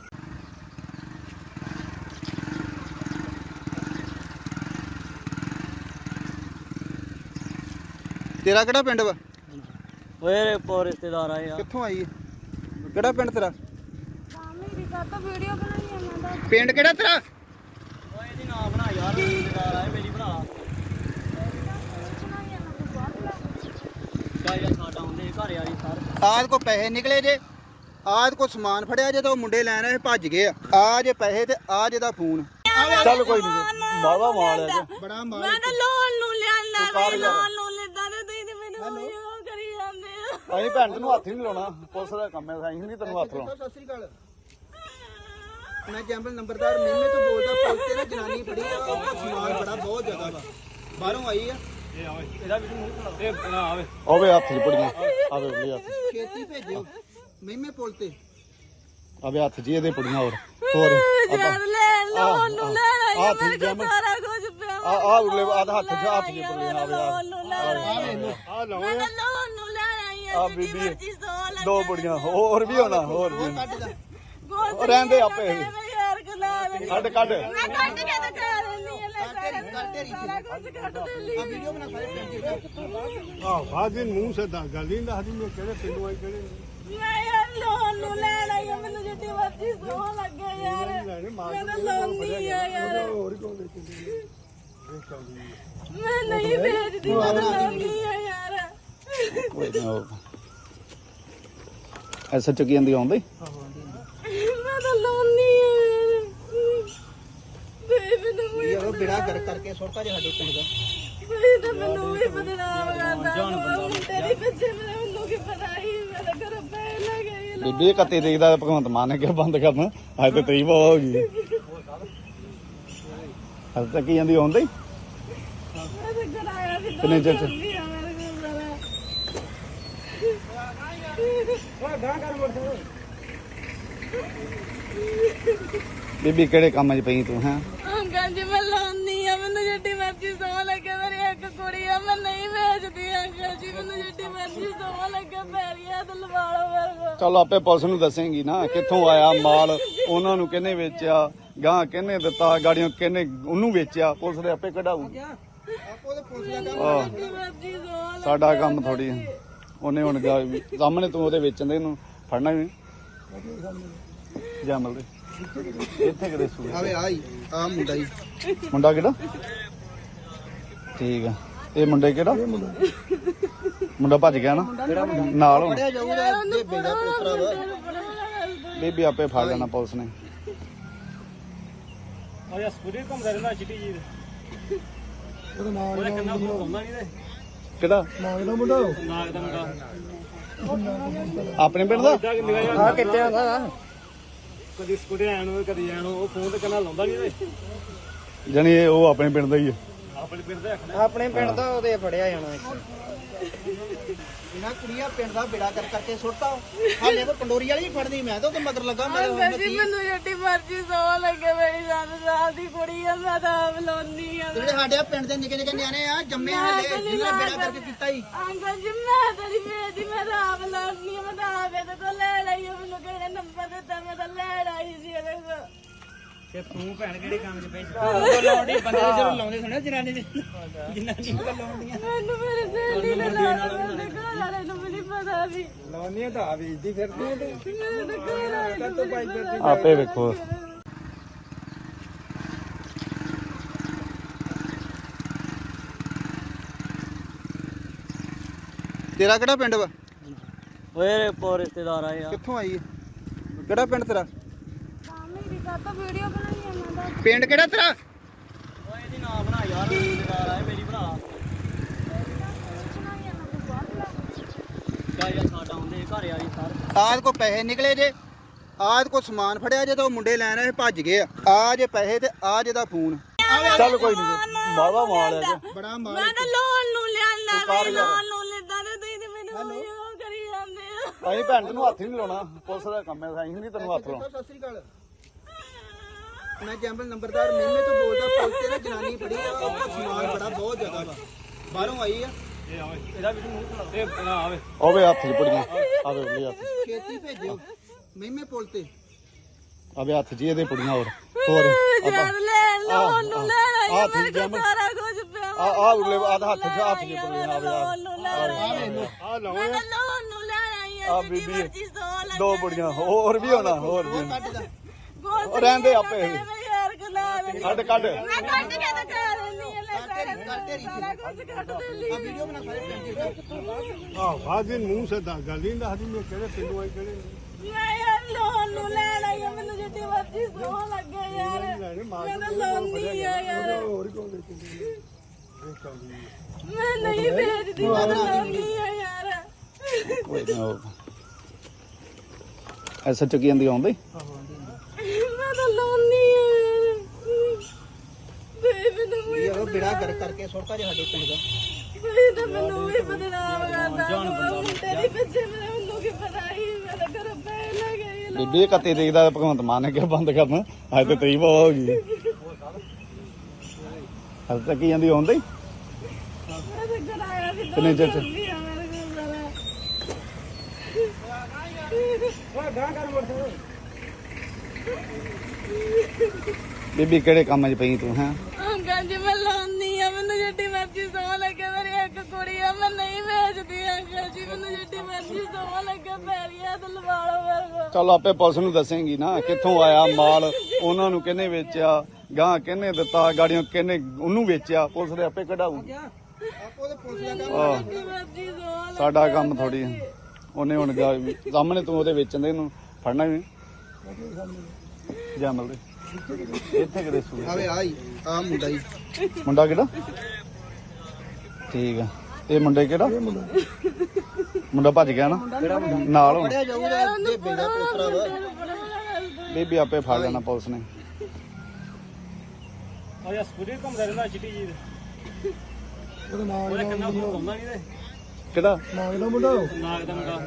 ਤੇਰਾ ਕਿਹੜਾ ਪਿੰਡ ਵਾ ਓਏ ਪੋ ਰਿਸ਼ਤੇਦਾਰ ਆਏ ਆ ਕਿੱਥੋਂ ਆਈ ਹੈ ਕਿਹੜਾ ਪਿੰਡ ਤੇਰਾ ਮੇਰੀ ਕਾਤਾ ਵੀਡੀਓ ਬਣਾਈ ਆ ਮੈਂ ਤਾਂ ਪਿੰਡ ਕਿਹੜਾ ਤੇਰਾ ਓਏ ਇਹਦੀ ਨਾ ਬਣਾ ਯਾਰ ਰਿਸ਼ਤੇਦਾਰ ਆਏ ਮੇਰੀ ਬਣਾ ਬਣਾਈ ਆ ਮੈਂ ਬਹੁਤ ਚਾਹੇ ਸਾਡਾ ਹੁੰਦੇ ਘਰ ਵਾਲੀ ਸਾਰ ਆਦ ਕੋ ਪੈਸੇ ਨਿਕਲੇ ਜੇ ਆਦ ਕੋ ਸਮਾਨ ਫੜਿਆ ਜੇ ਤਾਂ ਉਹ ਮੁੰਡੇ ਲੈਣ ਆਏ ਭੱਜ ਗਏ ਆ ਆ ਜੇ ਪੈਸੇ ਤੇ ਆ ਜੇ ਦਾ ਫੋਨ ਚੱਲ ਕੋਈ ਨਹੀਂ ਬਾਵਾ ਮਾਲ ਹੈ ਬੜਾ ਮਾਰ ਮੈਂ ਤਾਂ ਲੋਨ ਨੂੰ ਲਿਆਂਦਾ ਵੇ ਲੋਨ ਨੂੰ ਲੈਂਦਾ ਤੇ ਤੁਸੀਂ ਤੇ ਮੈਨੂੰ ਉਹ ਕਰੀ ਜਾਂਦੇ ਆ ਅਸੀਂ ਭੈਣ ਤੈਨੂੰ ਹੱਥ ਹੀ ਨਹੀਂ ਲਾਉਣਾ ਪੁਲਿਸ ਦਾ ਕੰਮ ਹੈ ਅਸੀਂ ਨਹੀਂ ਤੈਨੂੰ ਹੱਥ ਲਾਉਣਾ ਸਤਿ ਸ੍ਰੀ ਅਕਾਲ ਮੈਂ ਜੰਬਲ ਨੰਬਰਦਾਰ ਮੇਮੇ ਤੋਂ ਬੋਲਦਾ ਪੁਲਿਸ ਤੇ ਨਾ ਜਨਾਨੀ ਫੜੀ ਆ ਉਹਦਾ ਸਮਾਨ ਬੜਾ ਬਹੁਤ ਜ਼ਿਆਦਾ ਵਾ ਬਾਹਰੋਂ ਆਈ ਆ ਇਹਦਾ ਵੀ ਮੂੰਹ ਇਹ ਨਾ ਆਵੇ ਆਵੇ ਹੱਥ 'ਚ ਪੜੀਆਂ ਆਵੇ ਲੈ ਹੱਥ ਛੇਤੀ ਭੇਜਿਓ ਮੇਮੇ ਪੁਲ ਤੇ ਆਵੇ ਹੱਥ 'ਚ ਇਹਦੇ ਪੜੀਆਂ ਹੋਰ ਹੋਰ ਯਾਰ ਲੈ ਲੋਨ ਨੂੰ ਲੈ ਲਈ ਆਹ ਮੇਰੇ ਠੀਕ ਹੈ ਕੋਲ ਸਾਰਾ ਕੁਝ ਪਿਆ ਆ ਆ ਉਰਲੇ ਆਹ ਹੱਥ 'ਚ ਹੱਥ 'ਚ ਪੜੀਆਂ ਆਵੇ ਲੋਨ ਨੂੰ ਲੈ ਲਈ ਆ ਲਓ ਮੈਂ ਤਾਂ ਲੋਨ ਨੂੰ ਲੈ ਆਈ ਆ ਆ ਜਿੱਡੀ ਬੀਬੀ ਮਰਜ਼ੀ ਸੌ ਲੱਗੇ ਦੋ ਬੁੜੀਆਂ ਹੋਰ ਵੀ ਹੋਣਾ ਹੋਰ ਵੀ ਕੱਟ ਦਾ ਉਹ ਰਹਿੰਦੇ ਆਪੇ ਯਾਰ ਗੁਲਾ ਦੇ ਕੱਢ ਕੱਢ ਮੈਂ ਕੱਢ ਕੇ ਤਾਂ ਕਰ ਲੈਂਦੀ ਆ ਲੈ ਸਾਰਾ ਕੱਟੇ ਰੀ ਸਾਰਾ ਕੁਝ ਕੱਢ ਦੇ ਲਈ ਆ ਵੀਡੀਓ ਬਣਾ ਸਾਰੇ ਪਿੰਡ ਆ ਬਾਜੀ ਮੂੰਹ ਸੇ ਦਾ ਗੱਲ ਨਹੀਂ ਦੱਸਦੀ ਮੈਂ ਕਿਹੜੇ ਪਿੰਡੋਂ ਆਈ ਕਿਹੜੇ ਮੈਂ ਯਾਰ ਲੋਨ ਨੂੰ ਲੈ ਲਈ ਆ ਮੈਨੂੰ ਜਿੱਡੀ ਮਰਜ਼ੀ ਸੌ ਲੱਗੇ ਯਾਰ ਮੈਂ ਤਾਂ ਲਾਉਂਦੀ ਆ ਯਾਰ ਹੋਰ ਕੌਣ ਦੇ ਕਿੰਨੇ ਮੈਂ ਨਹੀਂ ਵੇਚਦੀ ਮੈਂ ਤਾਂ ਲਾਉਂਦੀ ਆ ਯਾਰ ਕੋਈ ਨਾ ਉਹ ਐਸਾ ਚੱਕੀ ਜਾਂਦੀ ਆਉਂਦੀ ਮੈਂ ਤਾਂ ਲਾਉਂਦੀ ਆ ਯਾਰ ਬੇ ਮੈਨੂੰ ਵੀ ਇਹ ਉਹ ਬਿੜਾ ਕਰ ਕਰਕੇ ਸੁੱਟਾ ਜੇ ਸਾਡੇ ਪਿੰਡ ਦਾ ਬੇ ਤਾਂ ਮੈਨੂੰ ਵੀ ਬਦਨਾਮ ਕਰਦਾ ਤੇਰੀ ਪਿੱਛੇ ਮੈਨੂੰ ਕੀ ਪਤਾ ਹੀ ਮੈਂ ਤਾਂ ਘਰ ਪੈ ਲੱਗੇ ਬੀਬੀ ਕੱਤੇ ਦੇਖਦਾ ਭਗਵੰਤ ਮਾਨ ਨੇ ਕਿਹਾ ਬੰਦ ਕਰਨ ਅੱਜ ਤੇ ਤਰੀਬ ਹੋ ਗਈ ਅੱਜ ਤੱਕ ਜਾਂਦੀ ਆਉਂਦੀ ਮੈਂ ਤਾਂ ਕਰਾਇਆ ਸੀ ਕਿੰਨੇ ਚਿਰ ਚ? ਬੀਬੀ ਕਿਹੜੇ ਕੰਮ 'ਚ ਪਈ ਤੂੰ ਹੈਂ? ਅੰਕਲ ਜੀ ਮੈਂ ਲਾਉਂਦੀ ਆ ਮੈਨੂੰ ਜਿੱਡੀ ਮਰਜ਼ੀ ਸੌ ਲੱਗੇ ਮੇਰੀ ਇੱਕ ਕੁੜੀ ਆ ਮੈਂ ਨਹੀਂ ਵੇਚਦੀ ਅੰਕਲ ਜੀ ਮੈਨੂੰ ਜਿੱਡੀ ਮਰਜ਼ੀ ਸੌ ਲੱਗੇ ਪੈਰੀਆਂ ਤੇ ਲਵਾ ਲਓ ਮੇਰੇ ਕੋਲ। ਚੱਲ ਆਪੇ ਪੁਲਿਸ ਨੂੰ ਦੱਸੇਂਗੀ ਨਾ ਕਿੱਥੋਂ ਆਇਆ ਮਾਲ, ਉਹਨਾਂ ਨੂੰ ਕਿਹਨੇ ਵੇਚਿਆ, ਗਾਂ ਕਿਹਨੇ ਦਿੱਤਾ, ਗਾੜੀਆਂ ਕਿਹਨੇ ਉਹਨੂੰ ਵੇਚਿਆ, ਪੁਲਿਸ ਦੇ ਆਪੇ ਕਢਾਊਗੀ। ਆਪੋ ਤੇ ਪੁਲਿਸ ਦਾ ਕੰਮ ਆਹ, ਜਿੱਡੀ ਮਰਜ਼ੀ ਸੌ ਲੱਗੇ ਸਾਡਾ ਕੰਮ ਥੋੜੀ ਉਹਨੇ ਹੁਣ ਗਾ- ਸਾਹਮਣੇ ਤੂੰ ਉਹਦੇ ਵੇਚਣ ਦੇ ਇਹਨੂੰ ਫੜਨਾ ਵੀ ਜਮਲ ਦੇ ਇੱਥੇ ਕਿਤੇ ਸੂਏ ਆਵੇ ਆਈ ਆ ਮੁੰਡਾ ਹੀ ਮੁੰਡਾ ਕਿਹੜਾ? ਠੀਕ ਆ। ਇਹ ਮੁੰਡੇ ਕਿਹੜਾ? ਮੁੰਡਾ ਭੱਜ ਗਿਆ ਨਾ ਨਾਲ ਹੁਣ। ਫੜਿਆ ਜਾਊਗਾ ਬੇਬੇ ਦਾ ਪੋਤਰਾ ਵਾ ਬੀਬੀ ਆਪੇ ਫੜ ਲੈਣਾ ਪੁਲਿਸ ਨੇ। ਆ ਯਾ ਸਕੂਟਰ ਘੁੰਮਦਾ ਰਹਿੰਦਾ ਚਿੱਟੀ ਜੀ ਦੇ ਉਹਦਾ ਕਿੰਨਾ ਫੋਨ ਆਉਂਦਾ ਨਹੀਂ ਤੇ ਕਿਹੜਾ? ਨਾਗ ਦਾ ਮੁੰਡਾ ਨਾਗ ਦਾ ਮੁੰਡਾ ਆਪਣੇ ਪਿੰਡ ਦਾ? ਆ ਕਿੱਥੇ ਆਂਦਾ ਕਦੀ ਸਕੂਟਰ ਆਣ ਨੂੰ ਕਦੀ ਆਣ ਉਹ ਫੋਨ ਤੇ ਕਿੰਨਾ ਲਾਉਂਦਾ ਨਹੀਂ ਤੇ ਜਾਣੀ ਇਹ ਉਹ ਆਪਣੇ ਪਿੰਡ ਦਾ ਹੀ ਆ। ਆਪਣੇ ਪਿੰਡ ਦਾ ਆਪਣੇ ਪਿੰਡ ਦਾ ਉਹਦੇ ਫੜਿਆ ਜਾਣਾ ਇਹਨਾਂ ਕੁੜੀਆਂ ਪਿੰਡ ਦਾ ਬੇੜਾ ਕਰ ਕਰਕੇ ਸੁੱਟਤਾ ਹਾਲੇ ਤਾਂ ਪੰਡੋਰੀ ਵਾਲੀ ਹੀ ਫੜਨੀ ਮੈਂ ਤਾਂ ਉਹਦੇ ਮਗਰ ਲੱਗਾ ਮੇਰੇ ਅੰਕਲ ਜੀ ਮੈਨੂੰ ਜਿੱਡੀ ਮਰਜ਼ੀ ਸੌ ਲੱਗੇ ਮੇਰੀ ਸੱਤ ਸਾਲ ਦੀ ਕੁੜੀ ਆ ਮੈਂ ਤਾਂ ਆਪ ਲਾਉਂਦੀ ਆ ਜਿਹੜੇ ਸਾਡੇ ਪਿੰਡ ਦੇ ਨਿੱਕੇ ਨਿੱਕੇ ਨਿਆਣੇ ਆ ਜੰਮੇ ਹਾਲੇ ਜਿਹਨਾਂ ਬੇੜਾ ਕਰਕੇ ਕੀਤਾ ਹੀ ਅੰਕਲ ਜੀ ਮੈਂ ਤਾਂ ਨਹੀਂ ਵੇਚਦੀ ਮੈਂ ਤਾਂ ਆਪ ਲਾਉਂਦੀ ਆ ਮੈਂ ਤਾਂ ਆਪ ਇਹਦੇ ਕੋਲ ਲੈ ਲਈ ਆ, ਮੈਨੂੰ ਕਿਹੜੇ ਨੰਬਰ ਦਿੱਤਾ ਮੈਂ ਤਾਂ ਲੈ ਆਈ ਸੀ ਇਹਦੇ ਕੋਲ। ਤੇ ਤੂੰ ਭੈਣ ਕਿਹੜੇ ਕੰਮ 'ਚ ਪਈ ਉਹ ਲਾਉਂਦੀ ਬੰਦੇ ਜਦੋਂ ਲਾਉਂਦੇ ਸੁਣਿਆ ਜਨਾਨੀ ਦੇ ਜਨਾਨੀ ਨੂੰ ਲਾਉਂਦੀਆਂ ਮੈਨੂੰ ਮੇਰੇ ਸਹੇਲੀ ਨੇ ਲਾਇਆ ਮੇਰੇ ਘਰ ਵਾਲੇ ਨੂੰ ਵੀ ਨਹੀਂ ਪਤਾ ਵੀ ਲਾਉਂਦੀਆਂ ਤਾਂ ਆ ਵੇਚਦੀ ਫਿਰਦੀ ਤੇ ਮੇਰੇ ਘਰ ਵਾਲੇ ਨੂੰ ਵੀ ਨਹੀਂ ਪਤਾ। ਆਪੇ ਵੇਖੋ। ਤੇਰਾ ਕਿਹੜਾ ਪਿੰਡ ਵਾ ਓਏ ਪੋ ਰਿਸ਼ਤੇਦਾਰ ਆਏ ਆ ਕਿੱਥੋਂ ਆਈ ਹੈ ਕਿਹੜਾ ਪਿੰਡ ਤੇਰਾ ਮੇਰੀ ਕਾਤਾ ਵੀਡੀਓ ਬਣਾਈ ਆ ਮੈਂ ਤਾਂ ਪਿੰਡ ਕਿਹੜਾ ਤੇਰਾ ਓਏ ਇਹਦੀ ਨਾ ਬਣਾ ਯਾਰ ਰਿਸ਼ਤੇਦਾਰ ਆਏ ਮੇਰੀ ਭਰਾ ਬਣਾਈ ਆ ਮੈਂ ਤਾਂ ਬਾਹਰ ਲਾ ਕਾ ਯਾਰ ਸਾਡਾ ਹੁੰਦੇ ਘਰ ਆਈ ਸਾਰ ਆਦ ਕੋ ਪੈਸੇ ਨਿਕਲੇ ਜੇ ਆਦ ਕੋ ਸਮਾਨ ਫੜਿਆ ਜੇ ਤਾਂ ਉਹ ਮੁੰਡੇ ਲੈਣ ਆਏ ਭੱਜ ਗਏ ਆ ਆ ਜੇ ਪੈਸੇ ਤੇ ਆ ਜੇ ਦਾ ਫੋਨ ਚੱਲ ਕੋਈ ਨਹੀਂ ਬਾਵਾ ਮਾਲ ਹੈ ਜੀ। ਬੜਾ ਮਾਰ ਮੈਂ ਤਾਂ ਲੋਨ ਨੂੰ ਲਿਆਂਦਾ ਮੈਂ ਲੋਨ ਨੂੰ ਲੈਂਦਾ ਤੇ ਤੁਸੀਂ ਤੇ ਮੈਨੂੰ ਉਹ ਕਰੀ ਜਾਂਦੇ ਆ। ਅਸੀਂ ਭੈਣ ਤੈਨੂੰ ਹੱਥ ਹੀ ਨਹੀਂ ਲਾਉਣਾ, ਪੁਲਿਸ ਦਾ ਕੰਮ ਹੈ, ਅਸੀਂ ਨਹੀਂ ਤੈਨੂੰ ਹੱਥ ਲਾਉਣਾ। ਸਤਿ ਸ੍ਰੀ ਅਕਾਲ ਮੈਂ ਜੰਬਲ ਨੰਬਰਦਾਰ ਮਹਿਮੇ ਤੋਂ ਬੋਲਦਾ ਪੁਲਿਸ ਤੇ ਨਾ ਜਨਾਨੀ ਫੜੀ ਆ ਉਹ ਸਮਾਨ ਬੜਾ ਬਹੁਤ ਜ਼ਿਆਦਾ ਵਾ ਬਾਹਰੋਂ ਆਈ ਆ ਇਹ ਆਵੇ ਇਹਦਾ ਵੀ ਮੂੰਹ ਇਹ ਨਾ ਆਵੇ ਆਵੇ ਹੱਥ 'ਚ ਪੁੜੀਆਂ ਆਵੇ ਉਹਦੇ ਹੱਥ 'ਚ। ਛੇਤੀ ਭੇਜਿਓ ਮਹਿਮੇ ਪੁਲ ਤੇ ਆਵੇ ਹੱਥ 'ਚ ਇਹਦੇ ਪੁੜੀਆਂ ਹੋਰ ਹੋਰ ਜਦ ਲੈ ਲੋਨ ਨੂੰ ਲੈ ਆਈ ਆਹ ਮੇਰੇ ਠੀਕ ਕੋਲ ਜਮ ਸਾਰਾ ਕੁਝ ਪਿਆ ਆ ਆ ਉਰਲੇ ਆ ਹੱਥ 'ਚ ਹੱਥ 'ਚ ਪੁੜੀਆਂ ਆਵੇ ਆ ਲੋਨ ਨੂੰ ਲੈ ਆਈ ਆ ਲਓ ਮੈਂ ਤਾਂ ਲੋਨ ਨੂੰ ਲੈ ਆਈ ਆ ਆ ਬੀਬੀ ਜਿੱਦੀ ਮਰਜ਼ੀ ਸੌ ਲੱਗੇ ਦੋ ਪੁੜੀਆਂ ਹੋਰ ਵੀ ਹੋਣਾ ਹੋਰ ਵੀ ਹੋਣਾ। ਕੱਢ ਦਾ ਉਹ ਰਹਿੰਦੇ ਆਪੇ ਯਾਰ ਗੁਲਾ ਦੇ ਕੱਢ ਕੱਢ ਮੈਂ ਕੱਢ ਕੇ ਤਾਂ ਕਹਿ ਰਹਿੰਦੀ ਆ ਲੈ ਸਾਰਾ ਕਰ ਤੇਰੀ ਸਾਰਾ ਕੁਝ ਕੱਢ ਦੇ ਲਈ ਵੀਡੀਓ ਬਣਾ ਸਾਰੇ ਪਿੰਡ ਦੀ ਆਹ ਬਾਜੀ ਮੂੰਹ ਸਦਾ ਗੱਲ ਨਹੀਂ ਦੱਸਦੀ ਮੈਂ ਕਿਹੜੇ ਪਿੰਡੋਂ ਆਈ ਕਿਹੜੇ ਮੈਂ ਯਾਰ ਲੋਨ ਨੂੰ ਲੈ ਆਈ ਆ ਮੈਨੂੰ ਜਿੱਦੀ ਮਰਜ਼ੀ ਸੌ ਲੱਗੇ ਯਾਰ ਮੈਂ ਤਾਂ ਲਾਉਂਦੀ ਆ ਯਾਰ ਹੋਰ ਕੋਲ ਦੇਖੀ ਮੈਂ ਨਹੀਂ ਵੇਚਦੀ ਮੈਂ ਤਾਂ ਲਾਉਂਦੀ ਆ ਯਾਰ ਕੋਈ ਨਾ ਹੋਰ ਐਸਾ ਚੁੱਕੀ ਜਾਂਦੀ ਆਉਂਦੀ ਮੈਂ ਤਾਂ ਲਾਉਂਦੀ ਆ ਯਾਰ ਤੇ ਮੈਨੂੰ ਵੀ ਇਹ ਬੇੜਾ ਕਰ ਕਰਕੇ ਸੁੱਟਾ ਜੇ ਸਾਡੇ ਪਿੰਡ ਦਾ ਕੋਈ ਤਾਂ ਮੈਨੂੰ ਵੀ ਬਦਨਾਮ ਕਰਦਾ ਮੁੰਡੇ ਦੀ ਪਿੱਛੇ ਮੈਨੂੰ ਕੀ ਪਤਾ ਹੀ ਮੈਂ ਤਾਂ ਘਰੋਂ ਪੈ ਲੈ ਗਈ ਬੀਬੀ ਇਹ ਕੱਤੇ ਦੇਖਦਾ ਭਗਵੰਤ ਮਾਨ ਨੇ ਕਿਹਾ ਬੰਦ ਕਰਨਾ ਅੱਜ ਤੇ ਤਰੀਬ ਹੋ ਗਈ ਹਲ ਤੱਕ ਹੀ ਜਾਂਦੀ ਆਉਂਦੀ ਮੈਂ ਤਾਂ ਕਰਾਇਆ ਸੀ ਕਿੰਨੇ ਚਿਰ ਚ? ਮੇਰੇ ਕੋਲ ਸਾਰਾ ਓਏ ਗਾਂ ਕਰ ਮੁੜ ਬੀਬੀ ਕਿਹੜੇ ਕੰਮ 'ਚ ਪਈ ਤੂੰ ਹੈਂ? ਅੰਕਲ ਜੀ ਮੈਂ ਲਾਉਂਦੀ ਆ ਮੈਨੂੰ ਜਿੱਡੀ ਮਰਜ਼ੀ ਸੌ ਲੱਗੇ ਮੇਰੀ ਇੱਕ ਕੁੜੀ ਆ ਮੈਂ ਨਹੀਂ ਵੇਚਦੀ ਅੰਕਲ ਜੀ ਮੈਨੂੰ ਜਿੱਡੀ ਮਰਜ਼ੀ ਸੌ ਲੱਗੇ ਪੈਰੀਆਂ ਤੇ ਲਵਾ ਲਓ ਮੇਰੇ ਕੋਲ। ਚੱਲ ਆਪੇ ਪੁਲਿਸ ਨੂੰ ਦੱਸੇਂਗੀ ਨਾ ਕਿੱਥੋਂ ਆਇਆ ਮਾਲ, ਉਹਨਾਂ ਨੂੰ ਕਿਹਨੇ ਵੇਚਿਆ, ਗਾਂ ਕਿਹਨੇ ਦਿੱਤਾ, ਗਾੜੀਆਂ ਕਿਹਨੇ ਉਹਨੂੰ ਵੇਚਿਆ, ਪੁਲਿਸ ਦੇ ਆਪੇ ਕਢਾਊਗੀ। ਆਪੋ ਤੇ ਪੁਲਿਸ ਦਾ ਕੰਮ ਆਹ, ਜਿੱਡੀ ਮਰਜ਼ੀ ਸੌ ਲੱਗੇ ਸਾਡਾ ਕੰਮ ਥੋੜੀ ਉਹਨੇ ਹੁਣ ਗਾ- ਸਾਹਮਣੇ ਤੂੰ ਉਹਦੇ ਵੇਚਣ ਦੇ ਇਹਨੂੰ ਫੜਨਾ ਵੀ ਜਮਲ ਦੇ ਇੱਥੇ ਕਿਤੇ ਸੂਏ ਆਵੇ ਆਈ ਆ ਮੁੰਡਾ ਹੀ ਮੁੰਡਾ ਕਿਹੜਾ? ਠੀਕ ਆ। ਇਹ ਮੁੰਡੇ ਕਿਹੜਾ? ਮੁੰਡਾ ਭੱਜ ਗਿਆ ਨਾ ਨਾਲ ਹੁਣ। ਫੜਿਆ ਜਾਊਗਾ ਬੇਬੇ ਦਾ ਪੋਤਰਾ ਵਾ ਬੀਬੀ ਆਪੇ ਫੜ ਲੈਣਾ ਪੁਲਿਸ ਨੇ। ਆ ਯਾ ਸਕੂਟਰ ਘੁੰਮਦਾ ਰਹਿੰਦਾ ਚਿੱਟੀ ਜੀ ਦੇ ਉਹਦਾ ਨਾਮ ਉਹਦੇ ਕੰਨਾਂ ਨੂੰ ਲਾਉਂਦਾ ਨਹੀਂ ਤੇ ਕਿਹੜਾ ਨਾਮ ਇਹਦਾ ਮੁੰਡਾ ਨਾਗ ਦਾ ਮੁੰਡਾ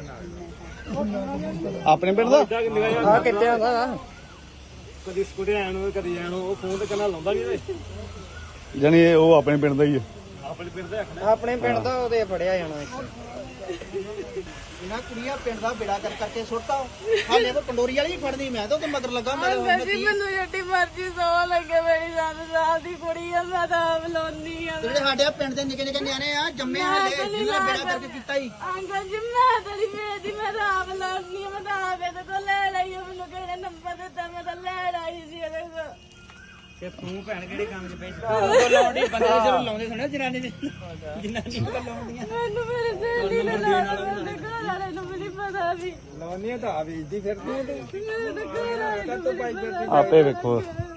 ਆਪਣੇ ਪਿੰਡ ਦਾ ਇੱਦਾਂ ਕਿ ਨਿਗਾਹ ਆ ਕਿੱਥੇ ਆਉਂਦਾ ਕਦੀ ਸਕੂਟਰ ਆਣ ਨੂੰ ਕਦੀ ਜਾਣ ਨੂੰ ਉਹ ਫੋਨ ਤੇ ਕੰਨਾਂ ਲਾਉਂਦਾ ਨਹੀਂ ਤੇ ਜਾਣੀ ਇਹ ਉਹ ਆਪਣੇ ਪਿੰਡ ਦਾ ਹੀ ਹੈ। ਆਪਣੇ ਪਿੰਡ ਦੇ ਆਖਣਾ ਆਪਣੇ ਪਿੰਡ ਦਾ ਉਹਦੇ ਫੜਿਆ ਜਾਣਾ ਇੱਥੇ ਇਹਨਾਂ ਕੁੜੀਆਂ ਪਿੰਡ ਦਾ ਬੇੜਾ ਕਰ ਕਰਕੇ ਸੁੱਟਤਾ ਹਾਲੇ ਉਹ ਪੰਡੋਰੀ ਵਾਲੀ ਹੀ ਫੜਨੀ ਮੈਂ ਤਾਂ ਉਹਦੇ ਮਗਰ ਲੱਗਾ ਮੈਂ ਅੰਕਲ ਜੀ ਮੈਨੂੰ ਜਿੱਡੀ ਮਰਜ਼ੀ ਸੌ ਲੱਗੇ ਮੇਰੀ ਸੱਤ ਸਾਲ ਦੀ ਕੁੜੀ ਆ ਮੈਂ ਤਾਂ ਆਪ ਲਾਉਣੀ ਆ ਜਿਹੜੇ ਸਾਡੇ ਪਿੰਡ ਦੇ ਨਿੱਕੇ ਨਿੱਕੇ ਨਿਆਣੇ ਆ ਜੰਮੇ ਹਾਲੇ ਜਿਹਨਾਂ ਨੇ ਬੇੜਾ ਕਰਕੇ ਕੀਤਾ ਹੀ ਅੰਕਲ ਜੀ ਮੈਂ ਤੇਰੀ ਵੇਚਦੀ ਮੈਂ ਤਾਂ ਆਪ ਲਾਉਣੀ ਆ ਮੈਂ ਤਾਂ ਆਪ ਇਹਦੇ ਕੋਲ ਲੈ ਲਈ ਆ, ਮੈਨੂੰ ਕਿਹਨੇ ਨੰਬਰ ਦਿੱਤਾ ਮੈਂ ਤਾਂ ਲੈ ਆਈ ਸੀ ਇਹਦੇ ਕੋਲ ਤੇ ਤੂੰ ਭੈਣ ਕਿਹੜੇ ਕੰਮ 'ਚ ਪਈ ਉਹ ਲਾਉਂਦੀ ਬੰਦੇ ਜਦੋਂ ਲਾਉਂਦੇ ਸੁਣਿਆ ਜਨਾਨੀ ਦੇ ਜਨਾਨੀ ਨੂੰ ਲਾਉਂਦੀਆਂ ਮੈਨੂੰ ਮੇਰੇ ਸਹੇਲੀ ਨੇ ਲਾਉਣਾ ਮੇਰੇ ਘਰ ਵਾਲੇ ਨੂੰ ਵੀ ਨਹੀਂ ਪਤਾ ਵੀ ਲਾਉਂਦੀਆਂ ਤਾਂ ਆ ਵੇਚਦੀ ਫਿਰਦੀ ਤੇ ਮੇਰੇ ਘਰ ਵਾਲੇ ਨੂੰ ਵੀ ਨਹੀਂ ਪਤਾ ਆਪੇ ਵੇਖੋ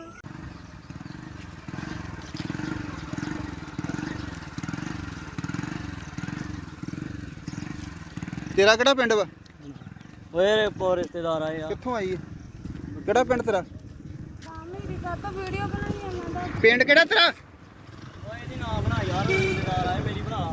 ਤੇਰਾ ਕਿਹੜਾ ਪਿੰਡ ਵਾ ਓਏ ਪੋ ਰਿਸ਼ਤੇਦਾਰ ਆਏ ਆ ਕਿੱਥੋਂ ਆਈ ਹੈ ਕਿਹੜਾ ਪਿੰਡ ਤੇਰਾ ਮੇਰੀ ਕਾਤਾ ਵੀਡੀਓ ਬਣਾਈ ਜਾਂਦਾ ਦਾ ਪਿੰਡ ਕਿਹੜਾ ਤੇਰਾ ਓਏ ਇਹਦੀ ਨਾ ਬਣਾ ਯਾਰ ਰਿਸ਼ਤੇਦਾਰ ਆਏ ਮੇਰੀ ਬਣਾ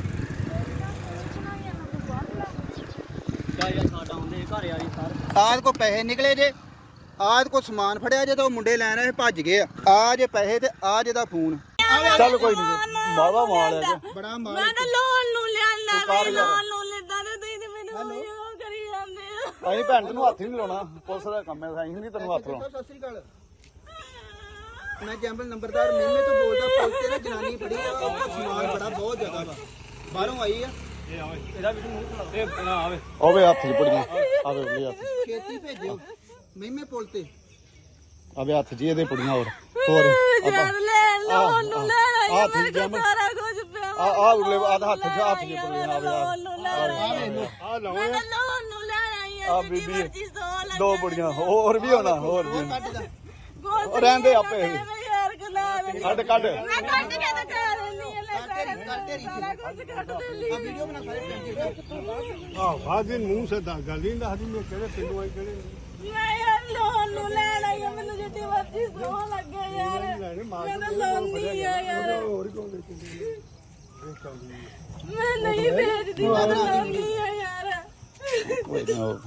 ਕਿਆ ਯਾਰ ਸਾਡਾ ਹੁੰਦੇ ਘਰ ਵਾਲੀ ਸਾਰ ਆਜ ਕੋ ਪੈਸੇ ਨਿਕਲੇ ਜੇ ਆਜ ਕੋ ਸਮਾਨ ਫੜਿਆ ਜੇ ਤਾਂ ਉਹ ਮੁੰਡੇ ਲੈਣ ਆਏ ਭੱਜ ਗਏ ਆ ਆ ਜੇ ਪੈਸੇ ਤੇ ਆ ਜੇ ਦਾ ਫੋਨ ਚੱਲ ਕੋਈ ਨਹੀਂ ਬਾਵਾ ਮਾਲ ਹੈ ਜੀ। ਬੜਾ ਮਾਰ ਮੈਂ ਤਾਂ ਲੋਨ ਨੂੰ ਲਿਆਂਦਾ ਵੇ ਲੋਨ ਨੂੰ ਲੈਂਦਾ ਤੇ ਤੁਸੀਂ ਤੇ ਮੈਨੂੰ ਉਹ ਕਰੀ ਜਾਂਦੇ ਆ ਅਸੀਂ ਭੈਣ ਤੈਨੂੰ ਹੱਥ ਹੀ ਨਹੀਂ ਲਾਉਣਾ ਪੁਲਿਸ ਦਾ ਕੰਮ ਹੈ ਅਸੀਂ ਨਹੀਂ ਤੈਨੂੰ ਹੱਥ ਲਾਉਣਾ ਸਤਿ ਸ੍ਰੀ ਅਕਾਲ ਮੈਂ ਜੰਬਲ ਨੰਬਰਦਾਰ ਮੇਮੇ ਤੋਂ ਬੋਲਦਾ ਪੁਲਿਸ ਤੇ ਨਾ ਜਨਾਨੀ ਫੜੀ ਆ ਉਹਦਾ ਸਮਾਨ ਬੜਾ ਬਹੁਤ ਜ਼ਿਆਦਾ ਵਾ ਬਾਹਰੋਂ ਆਈ ਆ ਇਹ ਆਵੇ ਇਹਦਾ ਵੀ ਮੂੰਹ ਖਲਾ ਇਹ ਨਾ ਆਵੇ ਆਵੇ ਹੱਥ 'ਚ ਪੁੜੀਆਂ ਆਵੇ ਉਹਦੇ ਹੱਥ ਛੇਤੀ ਭੇਜਿਓ ਮੇਮੇ ਪੁਲ ਤੇ ਆਵੇ ਹੱਥ 'ਚ ਇਹਦੇ ਪੁੜੀਆਂ ਹੋਰ ਹੋਰ ਜਦ ਲੈ ਲੋਨ ਨੂੰ ਲੈ ਆਈ ਆ ਆ, ਠੀਕ ਮੇਰੇ ਹੈ ਕੋਲ ਸਾਰਾ ਕੁਝ ਪਿਆ ਆ ਆ ਉਰਲੇ ਆ ਹੱਥ 'ਚ ਹੱਥ 'ਚ ਪੁੜੀਆਂ ਆਵੇ ਆ ਲੋਨ ਨੂੰ ਲੈ ਆਈ ਆ ਆ ਲਓ ਮੈਂ ਤਾਂ ਲੋਨ ਨੂੰ ਲੈ ਆਈ ਆ ਆ ਜਿੱਡੀ ਬੀਬੀ ਮਰਜ਼ੀ ਸੌ ਲੱਗੇ ਦੋ ਪੁੜੀਆਂ ਹੋਰ ਵੀ ਹੋਣਾ ਹੋਰ ਵੀ ਕੱਢ ਦਾ ਉਹ ਰਹਿੰਦੇ ਆਪੇ ਯਾਰ ਗੁਨਾਹ ਦੇ ਕੱਢ ਕੱਢ ਮੈਂ ਕੱਢ ਕੇ ਤਾਂ ਕਰ ਲੈਣੀ ਆ ਲੈ ਸਾਰਾ ਕੱਢ ਤੇਰੀ ਸਾਰਾ ਕੁਝ ਕੱਢ ਦੇ ਲਈ ਆ ਵੀਡੀਓ ਬਣਾ ਸਾਰੇ ਪਿੰਡ ਦੀ ਆਹ ਬਾਜੀ ਮੂੰਹ ਸੇ ਦਾ ਗੱਲ ਨਹੀਂ ਦੱਸਦੀ ਮੈਂ ਕਿਹੜੇ ਪਿੰਡੋਂ ਆਈ ਕਿਹੜੇ ਮੈਂ ਯਾਰ ਲੋਨ ਨੂੰ ਲੈਣ ਆਈ ਆ ਮੈਨੂੰ ਜਿੱਡੀ ਮਰਜ਼ੀ ਸੌ ਲੱਗੇ ਯਾਰ ਮੈਂ ਤਾਂ ਲਾਉਣੀ ਆ ਯਾਰ ਹੋਰ ਕਿਉਂ ਦੇਖੀ ਮੈਂ ਨਹੀਂ ਵੇਚਦੀ ਮੈਂ ਤਾਂ ਲਾਉਣੀ ਆ ਯਾਰ ਕੋਈ ਨਾ ਹੋਰ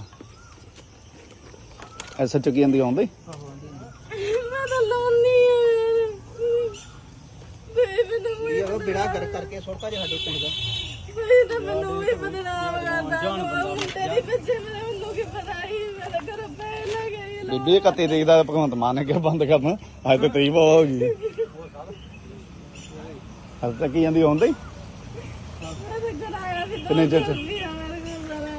ਐਸਾ ਚੱਕੀ ਜਾਂਦੀ ਆਉਂਦੀ ਮੈਂ ਤਾਂ ਲਾਉਣੀ ਆ ਯਾਰ ਤੇ ਮੈਨੂੰ ਯਾਰ ਉਹ ਬੇੜਾ ਕਰ ਕਰਕੇ ਸੁੱਟਤਾ ਜੇ ਸਾਡੇ ਪਿੰਡ ਦਾ ਕੋਈ ਤਾਂ ਮੈਨੂੰ ਵੀ ਬਦਨਾਮ ਕਰਦਾ ਮੁੰਡੇ ਦੀ ਪਿੱਛੇ ਮੇਰੇ ਮੈਨੂੰ ਕੀ ਪਤਾ ਹੀ ਮੈਂ ਤਾਂ ਘਰੋਂ ਪੈ ਲੈ ਗਈ ਬੀਬੀ ਇਹ ਕੱਤੇ ਦੇਖਦਾ ਭਗਵੰਤ ਮਾਨ ਨੇ ਕਿਹਾ ਬੰਦ ਕਰਨ ਅੱਜ ਤੇ ਤਰੀਬ ਹੋ ਗਈ ਹਰ ਤੱਕ ਹੀ ਜਾਂਦੀ ਆਉਂਦੀ ਮੈਂ ਤਾਂ ਘਰ ਆਇਆ ਸੀ ਕਿੰਨੇ ਚਿਰ ਚ? ਮੇਰੇ ਕੋਲ ਸਾਰਾ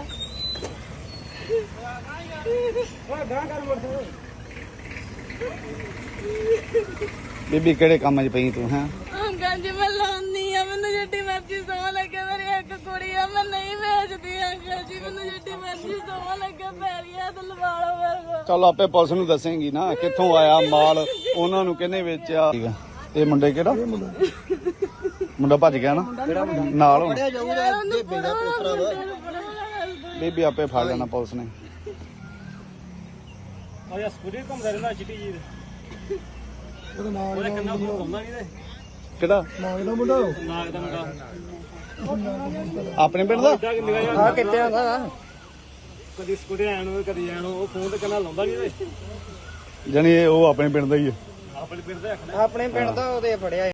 ਬੀਬੀ ਕਿਹੜੇ ਕੰਮ 'ਚ ਪਈ ਤੂੰ ਹੈਂ ਅੰਕਲ ਜੀ ਮੈਂ ਲਾਉਣੀ ਆ ਮੈਨੂੰ ਜਿੱਡੀ ਮਰਜ਼ੀ ਸੌ ਲੱਗੇ ਮੇਰੀ ਇੱਕ ਕੁੜੀ ਆ ਮੈਂ ਨਹੀਂ ਵੇਚਦੀ ਅੰਕਲ ਜੀ ਮੈਨੂੰ ਜਿੱਡੀ ਮਰਜ਼ੀ ਸੌ ਲੱਗੇ ਪੈਰੀਆਂ ਤੇ ਲਵਾ ਲਓ ਮੇਰੇ ਕੋਲ ਚੱਲ ਆਪੇ ਪੁਲਿਸ ਨੂੰ ਦੱਸੇਂਗੀ ਨਾ ਕਿੱਥੋਂ ਆਇਆ ਮਾਲ ਉਹਨਾਂ ਨੂੰ ਕਿਹਨੇ ਵੇਚਿਆ ਠੀਕ ਆ ਇਹ ਮੁੰਡੇ ਕਿਹੜਾ ਮੁੰਡਾ ਭੱਜ ਗਿਆ ਨਾ ਨਾਲ ਹੁਣ ਫੜਿਆ ਜਾਊਗਾ ਦੇ ਬੇੜਾ ਪੋਤਰਾ ਵਾ ਬੀਬੀ ਆਪੇ ਫੜ ਲੈਣਾ ਪੁਲਿਸ ਨੇ ਆ ਯਾ ਸਕੂਟਰ ਘੁੰਮਦਾ ਰਹਿੰਦਾ ਚਿੱਟੀ ਜੀ ਦੇ ਉਹਦਾ ਨਾਮ ਉਹਦੇ ਕੰਨਾਂ ਨੂੰ ਲਾਉਂਦਾ ਨਹੀਂ ਤੇ ਕਿਹੜਾ ਨਾਮ ਇਹਦਾ ਮੁੰਡਾ ਨਾਗ ਦਾ ਮੁੰਡਾ ਆਪਣੇ ਪਿੰਡ ਦਾ ਇੱਦਾਂ ਕਿ ਨਿਗਾਹ ਆ ਕਿੱਥੇ ਆਉਂਦਾ ਕਦੀ ਸਕੂਟਰ ਆਣ ਨੂੰ ਕਦੀ ਜਾਣ ਨੂੰ ਉਹ ਫੋਨ ਤੇ ਕੰਨਾਂ ਲਾਉਂਦਾ ਨਹੀਂ ਤੇ ਜਾਣੀ ਇਹ ਉਹ ਆਪਣੇ ਪਿੰਡ ਦਾ ਹੀ ਹੈ। ਆਪਣੇ ਪਿੰਡ ਦੇ ਆਖਣਾ ਆਪਣੇ ਪਿੰਡ ਦਾ ਉਹਦੇ ਫੜਿਆ